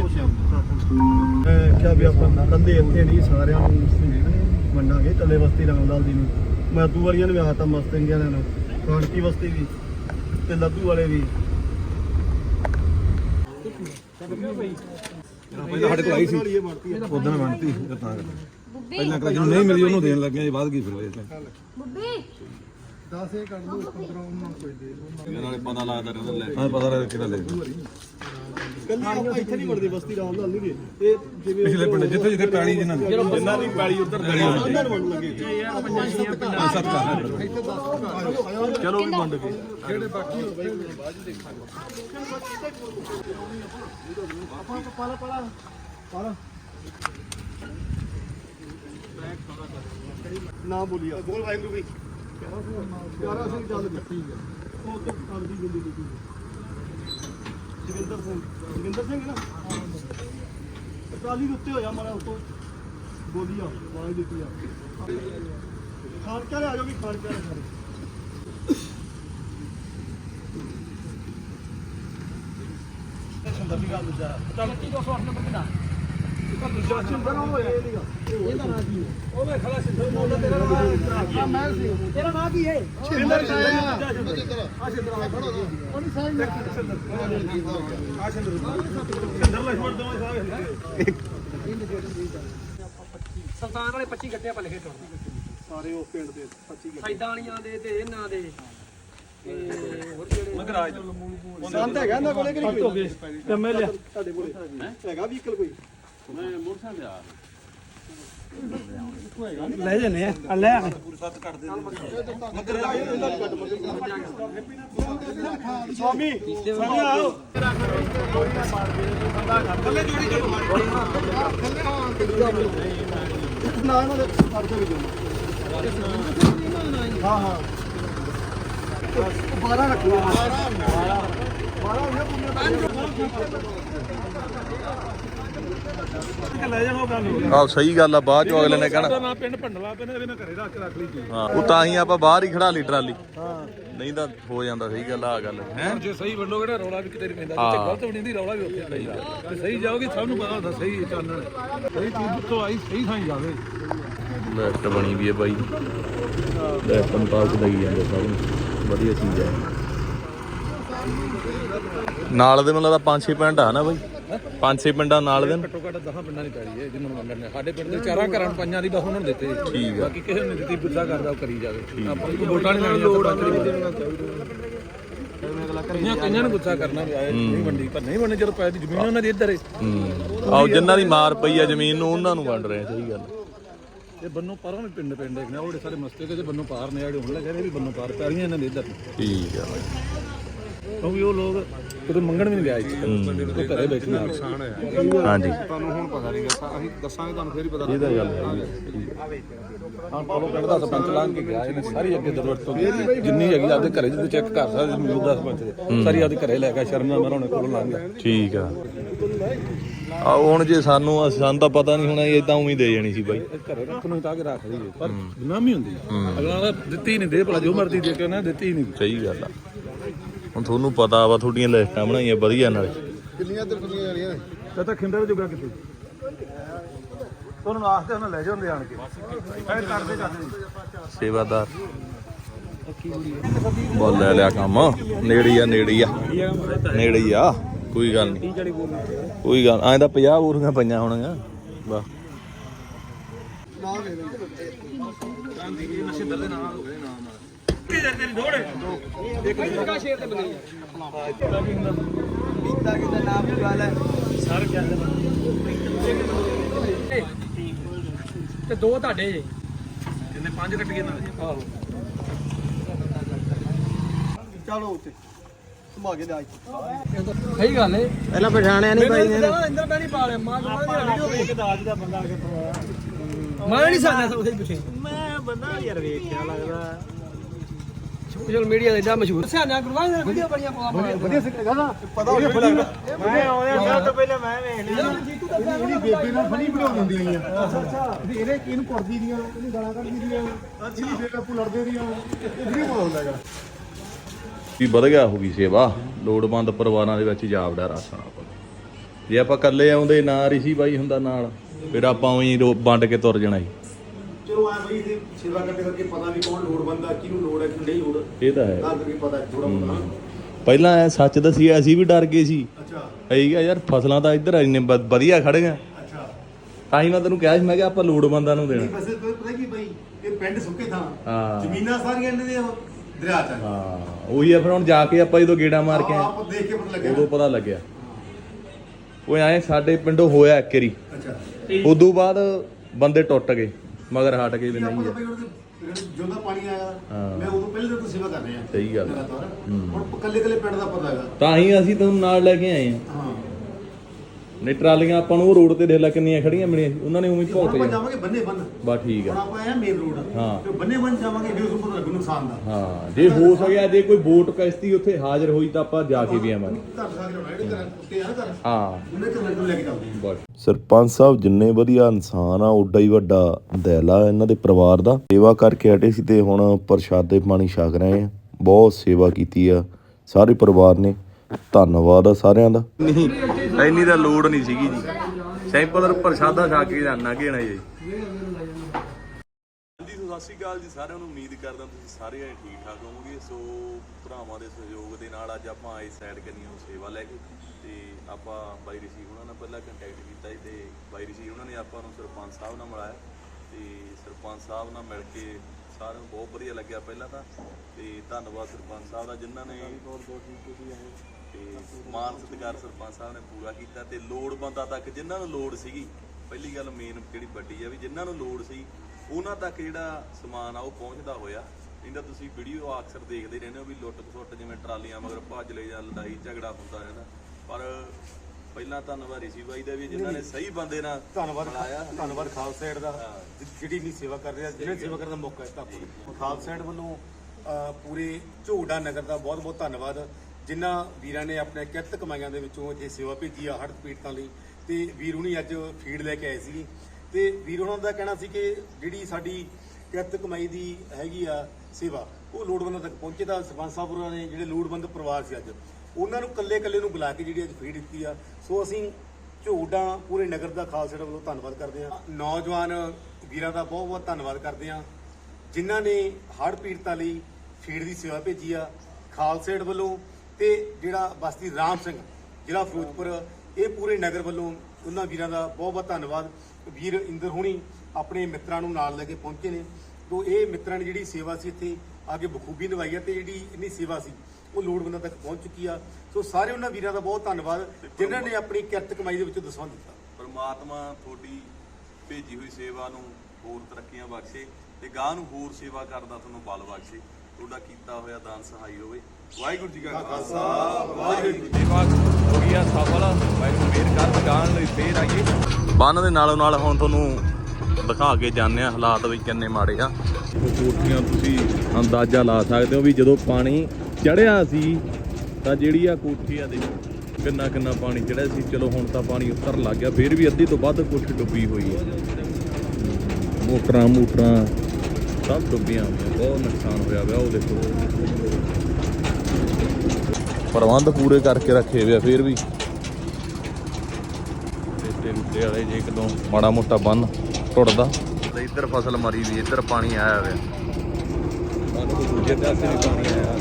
[SPEAKER 2] ਨਹੀਂ ਕਿਹਾ ਵੀ ਆਪਾਂ ਕੰਦੇ ਇੱਥੇ ਨਹੀਂ ਸਾਰਿਆਂ ਨੂੰ ਮੰਨਾਂਗੇ ਕੱਲੇ ਬਸਤੀ ਰਾਮਦਾਲ ਦੀ ਨੂੰ ਮਾਦੂ ਵਾਲੀਆਂ ਨੂੰ ਵੀ ਆਤਾ ਮਸਤੰਗੀਆਂ ਨੇ ਕਾਂਟੀ ਬਸਤੀ ਵੀ ਤੇ ਲੱਦੂ ਵਾਲੇ ਵੀ
[SPEAKER 6] ਸਾਡੇ ਕੋਲ ਆਈ ਸੀ ਉਦੋਂ ਬਣਤੀ ਤਾਂ ਪਹਿਲਾਂ ਕਰਾ ਜਿਹਨੂੰ ਨਹੀਂ ਮਿਲੀ ਉਹਨੂੰ ਦੇਣ ਲੱਗਿਆ ਜੀ ਬਾਅਦ ਕੀ ਫਿਰ ਵੇਚ ਲੈ
[SPEAKER 4] ਬੁੱਬੀ
[SPEAKER 5] 10 ਇਹ ਕੱਢ ਲਓ 15 ਉਹਨਾਂ ਕੋਈ ਦੇ
[SPEAKER 1] ਨਾਲੇ ਪਤਾ ਲੱਗਦਾ ਰਹਿੰਦਾ ਲੈ
[SPEAKER 6] ਹਾਂ ਪਤਾ ਲੱਗ ਕਿਹੜਾ ਲੈ
[SPEAKER 2] ਕੱਲੀ ਆਪਾਂ ਇੱਥੇ ਨਹੀਂ ਵੜਦੇ ਬਸਤੀ ਰਾਮਦਾਲ ਨਹੀਂ ਗਏ ਇਹ ਜਿਵੇਂ
[SPEAKER 6] ਪਿਛਲੇ ਪਿੰਡ ਜਿੱਥੇ ਜਿੱਥੇ ਪੈਲੀ ਜਿਨ੍ਹਾਂ ਦੀ
[SPEAKER 1] ਜਿੰਨਾ ਦੀ ਪੈਲੀ ਉੱਧਰ
[SPEAKER 2] ਉਹਨਾਂ ਨੂੰ ਵੰਡ ਲੱਗੇ
[SPEAKER 6] ਸੱਤ ਕਰ
[SPEAKER 2] ਚਲੋ ਵੀ ਵੰਡ ਗਏ
[SPEAKER 5] ਜਿਹੜੇ ਬਾਕੀ ਹੋ ਗਏ ਬਾਅਦ ਚ ਦੇਖਾਂਗੇ
[SPEAKER 2] ਨਾ ਬੋਲੀਆ ਬੋਲ ਵਾਹਿਗੁਰੂ ਵੀ ਪਿਆਰਾ ਸਿੰਘ ਚੱਲ ਗਿਆ ਉਹ ਤੋਂ ਕਰਦੀ ਜਿੰਦੀ ਲਿਖੀ ਜਗਿੰਦਰ ਸਿੰਘ ਨਾ ਟਰਾਲੀ ਦੇ ਉੱਤੇ ਹੋਇਆ ਮਾਰਾ ਉਤੋਂ ਬੋਲੀ ਆ ਆਵਾਜ਼ ਦਿੱਤੀ ਆ ਖਾਣ ਕੇ ਆ ਜਾਓ ਵੀ ਖਾਣ ਕੇ ਸਾਰੇ ਸੁੰਦਰ ਦੀ ਗੱਲ ਵਿਚਾਰਾ
[SPEAKER 3] 3208 ਨੰਬਰ ਕਿਹਦਾ
[SPEAKER 2] ਦੂਜਾ ਸਿੰਦਰ ਉਹ ਇਹ ਨਹੀਂਗਾ
[SPEAKER 3] ਇਹਦਾ ਨਾਂ ਕੀ ਹੈ
[SPEAKER 2] ਉਹ ਵੇ ਖੜਾ ਸਿੰਦਰ ਮੋਲਾ ਤੇਰਾ ਨਾਮ ਮੈਂ ਸੀ
[SPEAKER 3] ਤੇਰਾ ਨਾਂ ਕੀ ਹੈ
[SPEAKER 2] ਸਿੰਦਰ ਸਾਇਆ
[SPEAKER 5] ਉਹਦੀ ਸਾਈਨ
[SPEAKER 2] ਸਿੰਦਰ ਲక్ష్మణ ਦੋਵੇਂ ਸਾਰੇ
[SPEAKER 3] ਸੁਲਤਾਨ ਵਾਲੇ 25 ਗੱਟੇ ਆਪਾਂ ਲਿਖੇ ਟੁੱਟਦੇ
[SPEAKER 2] ਸਾਰੇ ਉਹ ਪਿੰਡ ਦੇ 25
[SPEAKER 3] ਸੈਦਾਨੀਆਂ ਦੇ ਤੇ ਇਹਨਾਂ ਦੇ ਹੋਰ ਜਿਹੜੇ
[SPEAKER 2] ਮਗਰਾਜ ਸੰਤ ਹੈਗਾ ਇਹਨਾਂ ਕੋਲੇ ਕਿ ਨਹੀਂ ਕੋਈ
[SPEAKER 3] ਤੇ ਮੈਂ ਲਿਆ
[SPEAKER 2] ਤੁਹਾਡੇ ਕੋਲੇ ਹੈਗਾ ਵਹੀਕਲ ਕੋਈ
[SPEAKER 3] ਲੈ ਜਨੇ ਆ ਲੈ ਆ
[SPEAKER 2] ਸਵਾਮੀ ਸਵਾਮੀ ਆਓ ਨਾ ਇਹਨਾਂ ਦੇ ਕਰਦੇ ਵੀ ਹਾਂ ਹਾਂ 12 ਰੱਖੋ 12 ਹੋਇਆ ਪੂਰੀਆਂ
[SPEAKER 6] ਲੈ ਜਾਣਾ ਗੱਲ ਹੋ
[SPEAKER 1] ਆਹ ਸਹੀ ਗੱਲ ਆ, ਬਾਅਦ ਚੋਂ ਅਗਲੇ ਨੇ ਕਹਿਣਾ
[SPEAKER 6] ਨਾ ਪਿੰਡ ਭੰਡਲਾ ਪੈਣਾ ਇਹਦੇ ਨਾਲ ਘਰੇ ਰੱਖ ਲਈ ਚੀਜ਼।
[SPEAKER 1] ਹਾਂ, ਉਹ ਤਾਂ ਹੀ ਆਪਾਂ ਬਾਹਰ ਹੀ ਖੜਾ ਲਈ ਟਰਾਲੀ। ਨਹੀਂ ਤਾਂ ਹੋ ਜਾਂਦਾ। ਸਹੀ ਗੱਲ ਆ ਗੱਲ ਹੈ।
[SPEAKER 6] ਜੇ ਸਹੀ ਵੱਲੋਂ ਕਿਹੜਾ ਰੌਲਾ ਵੀ ਕਿਤੇ ਨਹੀਂ ਪੈਂਦਾ, ਜਿੱਥੇ ਗਲਤ ਬਣੀ ਦੀ ਰੌਲਾ ਵੀ ਉੱਥੇ ਪੈਂਦਾ। ਤੇ ਸਹੀ ਜਾਓਗੇ ਸਭ ਨੂੰ ਪਤਾ ਹੁੰਦਾ ਸਹੀ ਚਾਨਣ ਸਹੀ ਚੀਜ਼ ਜਿੱਥੋਂ ਆਈ ਸਹੀ ਥਾਂ ਜਾਵੇ।
[SPEAKER 1] ਲੈਫਟ ਬਣੀ ਵੀ ਹੈ ਬਾਈ, ਲੈਫਟ ਮੁਤਾਬਕ ਲਈ ਜਾਂਦੇ ਸਭ ਨੂੰ, ਵਧੀਆ ਚੀਜ਼ ਹੈ। ਨਾਲ ਦੇ ਮਤਲਬ ਦਾ 5-6 ਪਿੰਡ ਆ ਨਾ ਬਾਈ, 5-6 ਪਿੰਡਾਂ ਨਾਲ ਦੇ
[SPEAKER 6] ਘੱਟੋ ਘੱਟ 10 ਪਿੰਡਾਂ ਦੀ ਪੈਲੀ ਹੈ ਜਿਹਨਾਂ ਨੂੰ ਮੰਗਣ ਨੇ। ਸਾਡੇ ਪਿੰਡ ਦੇ 4 ਘਰਾਂ ਨੂੰ 5 ਦੀ ਬਸ ਉਹਨਾਂ ਨੂੰ ਦਿੱਤੇ।
[SPEAKER 1] ਠੀਕ ਆ।
[SPEAKER 6] ਬਾਕੀ ਕਿਸੇ ਨੇ ਦਿੱਤੀ ਬੁੱਧਾ ਕਰਦਾ ਉਹ ਕਰੀ ਜਾਵੇ। ਆਪਾਂ ਨੂੰ ਵੋਟਾਂ ਨਹੀਂ ਲੈਣੀਆਂ ਕਈਆਂ ਨੂੰ ਗੁੱਸਾ ਕਰਨਾ ਵੀ ਆਏ ਨਹੀਂ ਵੰਡੀ, ਪਰ ਨਹੀਂ ਵੰਡੇ ਜਦੋਂ ਪੈਸੇ ਦੀ ਜ਼ਮੀਨ ਉਹਨਾਂ ਦੀ ਇੱਧਰ ਹੈ।
[SPEAKER 1] ਆਓ ਜਿਨ੍ਹਾਂ ਦੀ ਮਾਰ ਪਈ ਆ ਜ਼ਮੀਨ ਨੂੰ ਉਹਨਾਂ ਨੂੰ ਵੰਡ ਰਹੇ। ਸਹੀ ਗੱਲ।
[SPEAKER 6] ਇਹ ਬੰਨੋਂ ਪਾਰਾਂ ਵੀ ਪਿੰਡ ਦੇਖਣਾ, ਉਹ ਸਾਰੇ ਮਸਤੇ ਕੇ ਬੰਨੋਂ ਪਾਰ ਨੇ ਜਿਹੜੇ ਹੁਣ ਲੱਗੇ ਨੇ ਵੀ ਬੰਨੋਂ ਪਾਰ ਪੈਰੀਆਂ ਇਹਨਾਂ ਦੇ ਇੱਧਰ।
[SPEAKER 1] ਠੀਕ ਆ ਬਾਈ।
[SPEAKER 6] ਕਿਉਂਕਿ ਉਹ ਲੋਕ ਕਿਤੇ ਮੰਗਣ ਵੀ ਨਹੀਂ ਗਿਆ ਇੱਥੇ, ਉਹ ਘਰੇ ਬੈਠੇ ਨਾਲ।
[SPEAKER 1] ਹਾਂਜੀ,
[SPEAKER 6] ਤੁਹਾਨੂੰ ਹੁਣ ਪਤਾ ਨਹੀਂ ਅਸੀਂ ਦੱਸਾਂਗੇ ਤੁਹਾਨੂੰ ਫੇਰ ਹੀ ਪਤਾ।
[SPEAKER 1] ਇਹ ਤਾਂ ਗੱਲ ਹੈ।
[SPEAKER 6] ਹਾਂ ਪਾਲੋ ਪਿੰਡ ਦਾ ਸਰਪੰਚ ਲੰਘ ਕੇ ਗਿਆ, ਇਹਨੇ ਸਾਰੀ ਅੱਗੇ ਦਰਵਟ ਤੋਂ ਜਿੰਨੀ ਹੈਗੀ ਆਪਦੇ ਘਰੇ ਜਦੋਂ ਚੈੱਕ ਕਰ ਸਕਦੇ ਮੌਜੂਦਾ ਸਰਪੰਚ ਦੇ ਸਾਰੀ ਆਪਦੇ ਘਰੇ ਲੈ ਕੇ ਸ਼ਰਮ ਨਾਲ ਮਰਾਉਣੇ ਕੋਲੋਂ ਲੰਘ ਗਿਆ।
[SPEAKER 1] ਠੀਕ ਆ। ਆ ਹੁਣ ਜੇ ਸਾਨੂੰ ਤਾਂ ਪਤਾ ਨਹੀਂ ਹੋਣਾ, ਇਹ ਤਾਂ ਉਵੇਂ ਦੇ ਜਾਣੀ ਸੀ ਬਾਈ।
[SPEAKER 6] ਘਰੇ ਰੱਖਣ ਨੂੰ ਤਾਂ ਕਿ ਰੱਖ ਲਈਏ, ਪਰ ਬਦਨਾਮੀ ਹੁੰਦੀ ਅਗਲਾ ਦਾ ਦਿੱਤੀ ਨਹੀਂ ਦੇ ਭਲਾ ਜੋ ਮਰਜ਼ੀ ਦੇ ਕੇ ਉਹਨੇ ਦਿੱਤੀ ਨਹੀਂ।
[SPEAKER 1] ਸਹੀ ਗੱਲ ਆ। ਹੁਣ ਤੁਹਾਨੂੰ ਪਤਾ ਵਾ, ਤੁਹਾਡੀਆਂ ਲਿਸਟਾਂ ਬਣਾਈਆਂ ਵਧੀਆ ਨਾਲੇ।
[SPEAKER 5] ਕਿੰਨੀਆਂ ਇੱਧਰ ਸੁਣੀਆਂ ਜਾ ਰਹੀਆਂ
[SPEAKER 6] ਤੇ ਤਾਂ ਖਿੰਦਰ ਜੁਗਾ ਕਿਤੇ ਤੁਹਾਨੂੰ ਆਖਦੇ ਉਹਨਾਂ ਲੈ ਜਾਂਦੇ ਆਣ ਕੇ ਐ ਕਰਦੇ
[SPEAKER 1] ਸੇਵਾਦਾਰ ਬੋਲ ਲੈ ਲਿਆ ਕੰਮ, ਨੇੜੇ ਹੀ ਆ ਨੇੜੇ ਹੀ ਆ। ਕੋਈ ਗੱਲ ਨਹੀਂ, ਕੋਈ ਗੱਲ ਐਂ ਤਾਂ 50 ਬੋਰੀਆਂ ਪਈਆਂ ਹੋਣਗੀਆਂ ਵਾਹ।
[SPEAKER 6] ਤੇ 2 ਤੁਹਾਡੇ ਜੇ ਜਿੰਨੇ 5 ਕੱਟ ਗਏ ਨਾਲ। ਆਹੋ
[SPEAKER 5] ਚਲੋ ਉੱਤੇ ਸੰਭਾ ਕੇ ਲਿਆ।
[SPEAKER 6] ਸਹੀ ਗੱਲ ਏ।
[SPEAKER 5] ਪਹਿਲਾਂ ਪਛਾਣਿਆ ਨਹੀਂ ਬਾਈ ਨੇ।
[SPEAKER 6] ਇੰਦਰ ਪੈਣੀ ਪਾ ਲਿਆ ਮਾਂ ਦੀ ਵੀਡੀਓ ਵੇਖ ਦਾਜ ਦਾ ਬੰਦਾ ਕਿੱਥੋਂ ਆਇਆ। ਮੈਂ ਨਹੀਂ ਸਾਡਾ ਉਹਦੇ ਪਿੱਛੇ ਮੈਂ ਬੰਦਾ ਯਾਰ ਵੇਖਿਆ ਲੱਗਦਾ ਸੋਸ਼ਲ ਮੀਡੀਆ ਦਾ ਏਡਾ ਮਸ਼ਹੂਰ ਸਿਆਣਾ ਗੁਰੂਆਂ ਦੀਆਂ ਵੀਡੀਓ ਬੜੀਆਂ ਪਾਉਂਦਾ ਵਧੀਆ ਸਿੱਖਦਾ ਨਾ ਪਤਾ ਹੋ ਗਿਆ। ਮੈਂ ਆਉਂਦਾ ਸਭ ਤੋਂ ਪਹਿਲਾਂ ਮੈਂ ਵੇਖ ਲਿਆ
[SPEAKER 2] ਇਹਦੀ ਬੇਬੇ ਨਾਲ ਫਨੀ ਬਣਾ ਦਿੰਦੀਆਂ ਅੱਛਾ ਵੀ ਇਹਨੇ ਕਿਹਨੂੰ ਕੁੱਟਦੀ ਦੀਆਂ, ਇਹਨੂੰ ਗਾਲਾਂ ਕੱਢਦੀ ਦੀਆਂ, ਇਹਦੀ ਬੇਬੇ ਆਪੂ ਲੜਦੇ ਦੀਆਂ, ਇਹ ਵੀਡੀਓ ਬਣਾਉਂਦਾ ਹੈਗਾ।
[SPEAKER 1] ਵੀ ਵਧ ਗਿਆ ਹੋਗੀ ਸੇਵਾ, ਲੋੜਵੰਦ ਪਰਿਵਾਰਾਂ ਦੇ ਵਿੱਚ ਜਾਵੜਾ ਰਾਸ਼ਨ। ਆਪਾਂ ਜੇ ਆਪਾਂ ਇਕੱਲੇ ਆਉਂਦੇ ਨਾ ਰਿਸ਼ੀ ਬਾਈ ਹੁੰਦਾ ਨਾਲ, ਫਿਰ ਆਪਾਂ ਉਹੀ ਵੰਡ ਕੇ ਤੁਰ ਜਾਣਾ ਸੀ।
[SPEAKER 2] ਚਲੋ ਆ ਬਈ ਇਹ ਸੇਵਾ ਕਰਦੇ ਕਰਕੇ ਪਤਾ ਵੀ ਕੌਣ ਲੋੜਵੰਦ ਆ, ਕਿਹਨੂੰ ਲੋੜ ਹੈ ਕਿਹਨੂੰ ਨਹੀਂ ਲੋੜ,
[SPEAKER 1] ਇਹ ਤਾਂ ਹੈ।
[SPEAKER 2] ਤਾਂ ਕਰਕੇ ਪਤਾ ਥੋੜਾ ਬਹੁਤਾ।
[SPEAKER 1] ਪਹਿਲਾਂ ਐ ਸੱਚ ਦੱਸੀਏ, ਅਸੀਂ ਵੀ ਡਰ ਗਏ ਸੀ।
[SPEAKER 2] ਅੱਛਾ
[SPEAKER 1] ਹੈਗਾ ਯਾਰ, ਫਸਲਾਂ ਤਾਂ ਇੱਧਰ ਇੰਨੇ ਵਧੀਆ ਖੜੀਆਂ।
[SPEAKER 2] ਅੱਛਾ
[SPEAKER 1] ਤਾਂ ਹੀ ਮੈਂ ਤੈਨੂੰ ਕਿਹਾ ਸੀ, ਮੈਂ ਕਿਹਾ ਆਪਾਂ ਲੋੜਵੰਦਾਂ ਨੂੰ ਦੇਣਾ।
[SPEAKER 2] ਵੈਸੇ ਪਤਾ ਕੀ ਬਾਈ, ਇਹ ਪਿੰਡ ਸੁੱਕੇ ਥਾਂ,
[SPEAKER 1] ਹਾਂ।
[SPEAKER 2] ਜ਼ਮੀਨਾਂ ਸਾਰੀਆਂ ਇਹਨਾਂ ਦੀਆਂ ਦਰਿਆ ਚ ਆ।
[SPEAKER 1] ਹਾਂ ਉਹੀ ਆ। ਫਿਰ ਹੁਣ ਜਾ ਕੇ ਆਪਾਂ ਜਦੋਂ ਗੇੜਾ ਮਾਰ ਕੇ ਆਏ,
[SPEAKER 2] ਆਪ ਦੇਖ ਕੇ ਪਤਾ ਲੱਗਿਆ
[SPEAKER 1] ਉਦੋਂ ਪਤਾ ਲੱਗਿਆ। ਉਹ ਐ ਸਾਡੇ ਪਿੰਡੋਂ ਹੋਇਆ ਇੱਕ ਵਾਰੀ,
[SPEAKER 2] ਅੱਛਾ
[SPEAKER 1] ਉਦੋਂ ਬਾਅਦ ਬੰਦੇ ਟੁੱਟ ਗਏ, ਮਗਰ ਹਟ ਗਏ ਵੀ
[SPEAKER 2] ਆਪਾਂ
[SPEAKER 1] ਨਹੀਂ
[SPEAKER 2] ਤਾਂ
[SPEAKER 1] ਆ।
[SPEAKER 2] ਬਾਈ ਉਹਦੇ ਜਦੋਂ ਪਾਣੀ ਆਇਆ,
[SPEAKER 1] ਹਾਂ।
[SPEAKER 2] ਮੈਂ ਉਦੋਂ ਪਹਿਲੇ ਤੋਂ ਸੇਵਾ ਕਰ ਰਹੇ ਆ।
[SPEAKER 1] ਸਹੀ ਗੱਲ।
[SPEAKER 2] ਹੁਣ ਕੱਲੇ ਪਿੰਡ ਦਾ ਪਤਾ ਹੈਗਾ।
[SPEAKER 1] ਤਾਂ ਹੀ ਅਸੀਂ ਤੁਹਾਨੂੰ ਨਾਲ ਲੈ ਕੇ ਆਏ ਆ।
[SPEAKER 2] ਹਾਂ
[SPEAKER 1] ਨਹੀਂ ਟਰਾਲੀਆਂ ਆਪਾਂ ਨੂੰ ਉਹ ਰੋਡ ਤੇ ਢੇਲਾ ਕਿੰਨੀਆਂ ਖੜੀਆਂ ਮਿਲੀਆਂ ਸੀ, ਉਹਨਾਂ ਨੇ ਉਵੇਂ ਭੌਂਕ
[SPEAKER 2] ਆਪਾਂ
[SPEAKER 1] ਜਾਣਾ।
[SPEAKER 2] ਜਾਵਾਂਗੇ ਬੰਨੇ ਬੰਨ।
[SPEAKER 1] ਬਸ ਠੀਕ
[SPEAKER 2] ਹੁਣ
[SPEAKER 1] ਆ।
[SPEAKER 2] ਆਪਾਂ ਆਇਆ ਮੇਨ ਰੋਡ,
[SPEAKER 1] ਹਾਂ।
[SPEAKER 2] ਤੇ ਬੰਨੇ ਬੰਨ ਜਾਵਾਂਗੇ ਫਿਰ ਉਸ ਨੂੰ ਲੱਗੂ ਨੁਕਸਾਨ ਦਾ।
[SPEAKER 1] ਹਾਂ ਜੇ ਹੋ ਸਕਿਆ, ਜੇ ਕੋਈ ਬੋਟ ਕਸ਼ਤੀ ਉੱਥੇ ਹਾਜ਼ਰ ਹੋਈ ਤਾਂ ਆਪਾਂ ਜਾ ਕੇ ਵੀ ਆਵਾਂਗੇ।
[SPEAKER 2] ਘਰ ਸਾਗ ਹੋਣਾ ਜਿਹੜੇ ਘਰ ਉੱਤੇ ਆ ਨਾ ਘਰ,
[SPEAKER 1] ਹਾਂ
[SPEAKER 2] ਉਹਨੇ ਚ ਲੈ ਕੇ ਚੱਲਦੇ ਆ।
[SPEAKER 1] ਬਸ।
[SPEAKER 7] ਸਰਪੰਚ ਸਾਹਿਬ ਜਿੰਨੇ ਵਧੀਆ ਇਨਸਾਨ ਆ, ਓਡਾ ਹੀ ਵੱਡਾ ਦਿਲ ਆ ਇਹਨਾਂ ਦੇ ਪਰਿਵਾਰ ਦਾ। ਸੇਵਾ ਕਰਕੇ ਹਟੇ ਸੀ ਤੇ ਹੁਣ ਪ੍ਰਸ਼ਾਦੇ ਪਾਣੀ ਛਕ ਰਹੇ ਆ। ਬਹੁਤ ਸੇਵਾ ਕੀਤੀ ਆ ਸਾਰੇ ਪਰਿਵਾਰ ਨੇ, ਧੰਨਵਾਦ ਆ ਸਾਰਿਆਂ ਦਾ।
[SPEAKER 1] ਨਹੀਂ ਇੰਨੀ ਤਾਂ ਲੋੜ ਨਹੀਂ ਸੀਗੀ ਜੀ, ਸਿੰਪਲ ਪ੍ਰਸ਼ਾਦਾ ਛਕ ਕੇ ਜਾਣਾ ਘੇਣਾ ਜੀ। ਹਾਂਜੀ ਸਤਿ ਸ਼੍ਰੀ ਅਕਾਲ ਜੀ ਸਾਰਿਆਂ ਨੂੰ। ਉਮੀਦ ਕਰਦਾ ਤੁਸੀਂ ਸਾਰੇ ਜਣੇ ਠੀਕ ਠਾਕ ਹੋਵੋਗੇ। ਸੋ ਭਰਾਵਾਂ ਦੇ ਸਹਿਯੋਗ ਦੇ ਨਾਲ ਅੱਜ ਆਪਾਂ ਆਏ ਸਾਈਡ ਕੰਨੀਓ ਸੇਵਾ ਲੈ ਕੇ, ਤੇ ਆਪਾਂ ਬਾਈ ਰਿਸ਼ੀ ਉਹਨਾਂ ਨਾਲ ਪਹਿਲਾਂ ਕੰਟੈਕਟ ਕੀਤਾ ਸੀ, ਤੇ ਬਾਈ ਰਿਸ਼ੀ ਉਹਨਾਂ ਨੇ ਆਪਾਂ ਨੂੰ ਸਰਪੰਚ ਸਾਹਿਬ ਨਾਲ ਮਿਲਾਇਆ, ਤੇ ਸਰਪੰਚ ਸਾਹਿਬ ਨਾਲ ਮਿਲ ਕੇ ਸਾਰਿਆਂ ਨੂੰ ਬਹੁਤ ਵਧੀਆ ਲੱਗਿਆ ਪਹਿਲਾਂ ਤਾਂ। ਤੇ ਧੰਨਵਾਦ ਸਰਪੰਚ ਸਾਹਿਬ ਦਾ ਜਿਨ੍ਹਾਂ ਨੇ ਤੇ ਮਾਨ ਸਤਿਕਾਰ ਸਰਪੰਚ ਸਾਹਿਬ ਨੇ ਪੂਰਾ ਕੀਤਾ, ਤੇ ਲੋੜਵੰਦਾਂ ਤੱਕ ਜਿਨ੍ਹਾਂ ਨੂੰ ਲੋੜ ਸੀਗੀ, ਪਹਿਲੀ ਗੱਲ ਮੇਨ ਜਿਹੜੀ ਵੱਡੀ ਆ ਵੀ ਜਿਨ੍ਹਾਂ ਨੂੰ ਲੋੜ ਸੀ ਉਹਨਾਂ ਤੱਕ ਜਿਹੜਾ ਸਮਾਨ ਆ ਉਹ ਪਹੁੰਚਦਾ ਹੋਇਆ। ਇਹਦਾ ਤੁਸੀਂ ਵੀਡੀਓ ਅਕਸਰ ਦੇਖਦੇ ਰਹਿੰਦੇ ਹੋ ਵੀ ਲੁੱਟ ਖਸੁੱਟ ਜਿਵੇਂ ਟਰਾਲੀਆਂ ਮਗਰ ਭੱਜ ਲੈ ਜਾਂ ਲੜਾਈ ਝਗੜਾ ਹੁੰਦਾ ਰਹਿੰਦਾ, ਪਰ ਪਹਿਲਾਂ ਧੰਨਵਾਦ ਰਿਸ਼ੀ ਬਾਈ ਦਾ ਵੀ ਜਿਨ੍ਹਾਂ ਨੇ ਸਹੀ ਬੰਦੇ ਨਾਲ
[SPEAKER 2] ਧੰਨਵਾਦ ਖਾਲਸਾ ਏਡ ਦਾ, ਜਿਹੜੀ ਨਹੀਂ ਸੇਵਾ ਕਰ ਰਿਹਾ, ਜਿਹਨੇ ਸੇਵਾ ਕਰਨ ਦਾ ਮੌਕਾ ਦਿੱਤਾ ਆਪਾਂ ਨੂੰ। ਖਾਲਸਾ ਏਡ ਵੱਲੋਂ ਪੂਰੇ ਝੋੜਾ ਨਗਰ ਦਾ ਬਹੁਤ ਬਹੁਤ ਧੰਨਵਾਦ, ਜਿਨ੍ਹਾਂ ਵੀਰਾਂ ਨੇ ਆਪਣੇ ਕਿਰਤ ਕਮਾਈਆਂ ਦੇ ਵਿੱਚੋਂ ਇੱਥੇ ਸੇਵਾ ਭੇਜੀ ਆ ਹੜ੍ਹ ਪੀੜਤਾਂ ਲਈ। ਤੇ ਵੀਰ ਹੁਣੀ ਅੱਜ ਫੀਡ ਲੈ ਕੇ ਆਏ ਸੀ ਤੇ ਵੀਰ ਉਹਨਾਂ ਦਾ ਕਹਿਣਾ ਸੀ ਕਿ ਜਿਹੜੀ ਸਾਡੀ ਕਿਰਤ ਕਮਾਈ ਦੀ ਹੈਗੀ ਆ ਸੇਵਾ ਉਹ ਲੋੜਵੰਦਾਂ ਤੱਕ ਪਹੁੰਚੇ। ਤਾਂ ਸਰਪੰਚ ਸਾਹਿਬ ਹੋਰਾਂ ਨੇ ਜਿਹੜੇ ਲੋੜਵੰਦ ਪਰਿਵਾਰ ਸੀ ਅੱਜ ਉਹਨਾਂ ਨੂੰ ਕੱਲੇ ਨੂੰ ਬੁਲਾ ਕੇ ਜਿਹੜੀ ਅੱਜ ਫੀਡ ਦਿੱਤੀ ਆ। ਸੋ ਅਸੀਂ ਝੋਟਾਂ ਪੂਰੇ ਨਗਰ ਦਾ ਖਾਲਸਾ ਵੱਲੋਂ ਧੰਨਵਾਦ ਕਰਦੇ ਹਾਂ। ਨੌਜਵਾਨ ਵੀਰਾਂ ਦਾ ਬਹੁਤ ਬਹੁਤ ਧੰਨਵਾਦ ਕਰਦੇ ਹਾਂ ਜਿਨ੍ਹਾਂ ਨੇ ਹੜ੍ਹ ਪੀੜਤਾਂ ਲਈ ਫੀਡ ਦੀ ਸੇਵਾ ਭੇਜੀ ਆ ਖਾਲਸਾ ਵੱਲੋਂ। ਤੇ ਜਿਹੜਾ ਬਸਤੀ ਰਾਮ ਸਿੰਘ ਜ਼ਿਲ੍ਹਾ ਫਿਰੋਜ਼ਪੁਰ ਇਹ ਪੂਰੇ ਨਗਰ ਵੱਲੋਂ ਉਹਨਾਂ ਵੀਰਾਂ ਦਾ ਬਹੁਤ ਬਹੁਤ ਧੰਨਵਾਦ। ਵੀਰ ਇੰਦਰ ਹੋਣੀ ਆਪਣੇ ਮਿੱਤਰਾਂ ਨੂੰ ਨਾਲ ਲੈ ਕੇ ਪਹੁੰਚੇ ਨੇ। ਤੋਂ ਇਹ ਮਿੱਤਰਾਂ ਨੇ ਜਿਹੜੀ ਸੇਵਾ ਸੀ ਇੱਥੇ ਆ ਕੇ ਬਖੂਬੀ ਨਿਭਾਈ ਆ ਤੇ ਜਿਹੜੀ ਇੰਨੀ ਸੇਵਾ ਸੀ ਉਹ ਲੋੜਵੰਦਾਂ ਤੱਕ ਪਹੁੰਚ ਚੁੱਕੀ ਆ। ਸੋ ਸਾਰੇ ਉਹਨਾਂ ਵੀਰਾਂ ਦਾ ਬਹੁਤ ਧੰਨਵਾਦ ਜਿਨ੍ਹਾਂ ਨੇ ਆਪਣੀ ਕਿਰਤ ਕਮਾਈ ਦੇ ਵਿੱਚੋਂ ਦਸਵਾਂ ਦਿੱਤਾ।
[SPEAKER 1] ਪਰਮਾਤਮਾ ਤੁਹਾਡੀ ਭੇਜੀ ਹੋਈ ਸੇਵਾ ਨੂੰ ਹੋਰ ਤਰੱਕੀਆਂ ਬਖਸ਼ੇ ਤੇ ਗਾਂ ਨੂੰ ਹੋਰ ਸੇਵਾ ਕਰਦਾ ਤੁਹਾਨੂੰ ਬਲ ਬਖਸ਼ੇ। ਤੁਹਾਡਾ ਕੀਤਾ ਹੋਇਆ ਦਾਨ ਸਹਾਈ ਹੋਵੇ। ਵਾਹਿਗੁਰੂ ਜੀ ਕਾ ਖਾਲਸਾ ਵਾਹਿਗੁਰੂ ਜੀ ਕੀ ਫਤਿਹ। ਸੇਵਾ ਹੋ ਗਈ ਆ ਸਫਲ। ਵਾਹਿਗੁਰੂ ਮਿਹਰ ਕਰ ਦੁਕਾਨ ਲਈ ਫੇਰ ਆਈਏ। ਬੰਨ ਦੇ ਨਾਲੋਂ ਨਾਲ ਹੁਣ ਤੁਹਾਨੂੰ ਦਿਖਾ ਕੇ ਜਾਂਦੇ ਆ ਹਾਲਾਤ ਵੀ ਕਿੰਨੇ ਮਾੜੇ ਆ। ਕੋਠੀਆਂ ਤੁਸੀਂ ਅੰਦਾਜ਼ਾ ਲਾ ਸਕਦੇ ਹੋ ਵੀ ਜਦੋਂ ਪਾਣੀ ਚੜਿਆ ਸੀ ਤਾਂ ਜਿਹੜੀ ਆ ਕੋਠੀ ਆ ਦੇਖੋ ਕਿੰਨਾ ਪਾਣੀ ਚੜਿਆ ਸੀ। ਚਲੋ ਹੁਣ ਤਾਂ ਪਾਣੀ ਉੱਤਰ ਲੱਗ ਗਿਆ, ਫਿਰ ਵੀ ਅੱਧੀ ਤੋਂ ਵੱਧ ਕੋਠੀ ਡੁੱਬੀ ਹੋਈ ਹੈ। ਮੋਟਰਾਂ ਸਭ ਡੁੱਬੀਆਂ ਹੋਈਆਂ, ਬਹੁਤ ਨੁਕਸਾਨ ਹੋਇਆ ਵਾ। ਉਹ ਦੇਖੋ ਪ੍ਰਬੰਧ ਪੂਰੇ ਕਰਕੇ ਰੱਖੇ ਹੋਏ ਆ ਫਿਰ ਵੀ। ਰੇਤੇ ਵਾਲੇ ਜੇ ਕਦੋਂ ਮਾੜਾ ਮੋਟਾ ਬੰਨ ਟੁੱਟਦਾ ਤੇ ਇੱਧਰ ਫਸਲ ਮਰੀ ਵੀ, ਇੱਧਰ ਪਾਣੀ ਆਇਆ ਹੋਇਆ। ਦੂਜੇ ਪਾਸੇ ਵੀ ਪਾਣੀ ਆਇਆ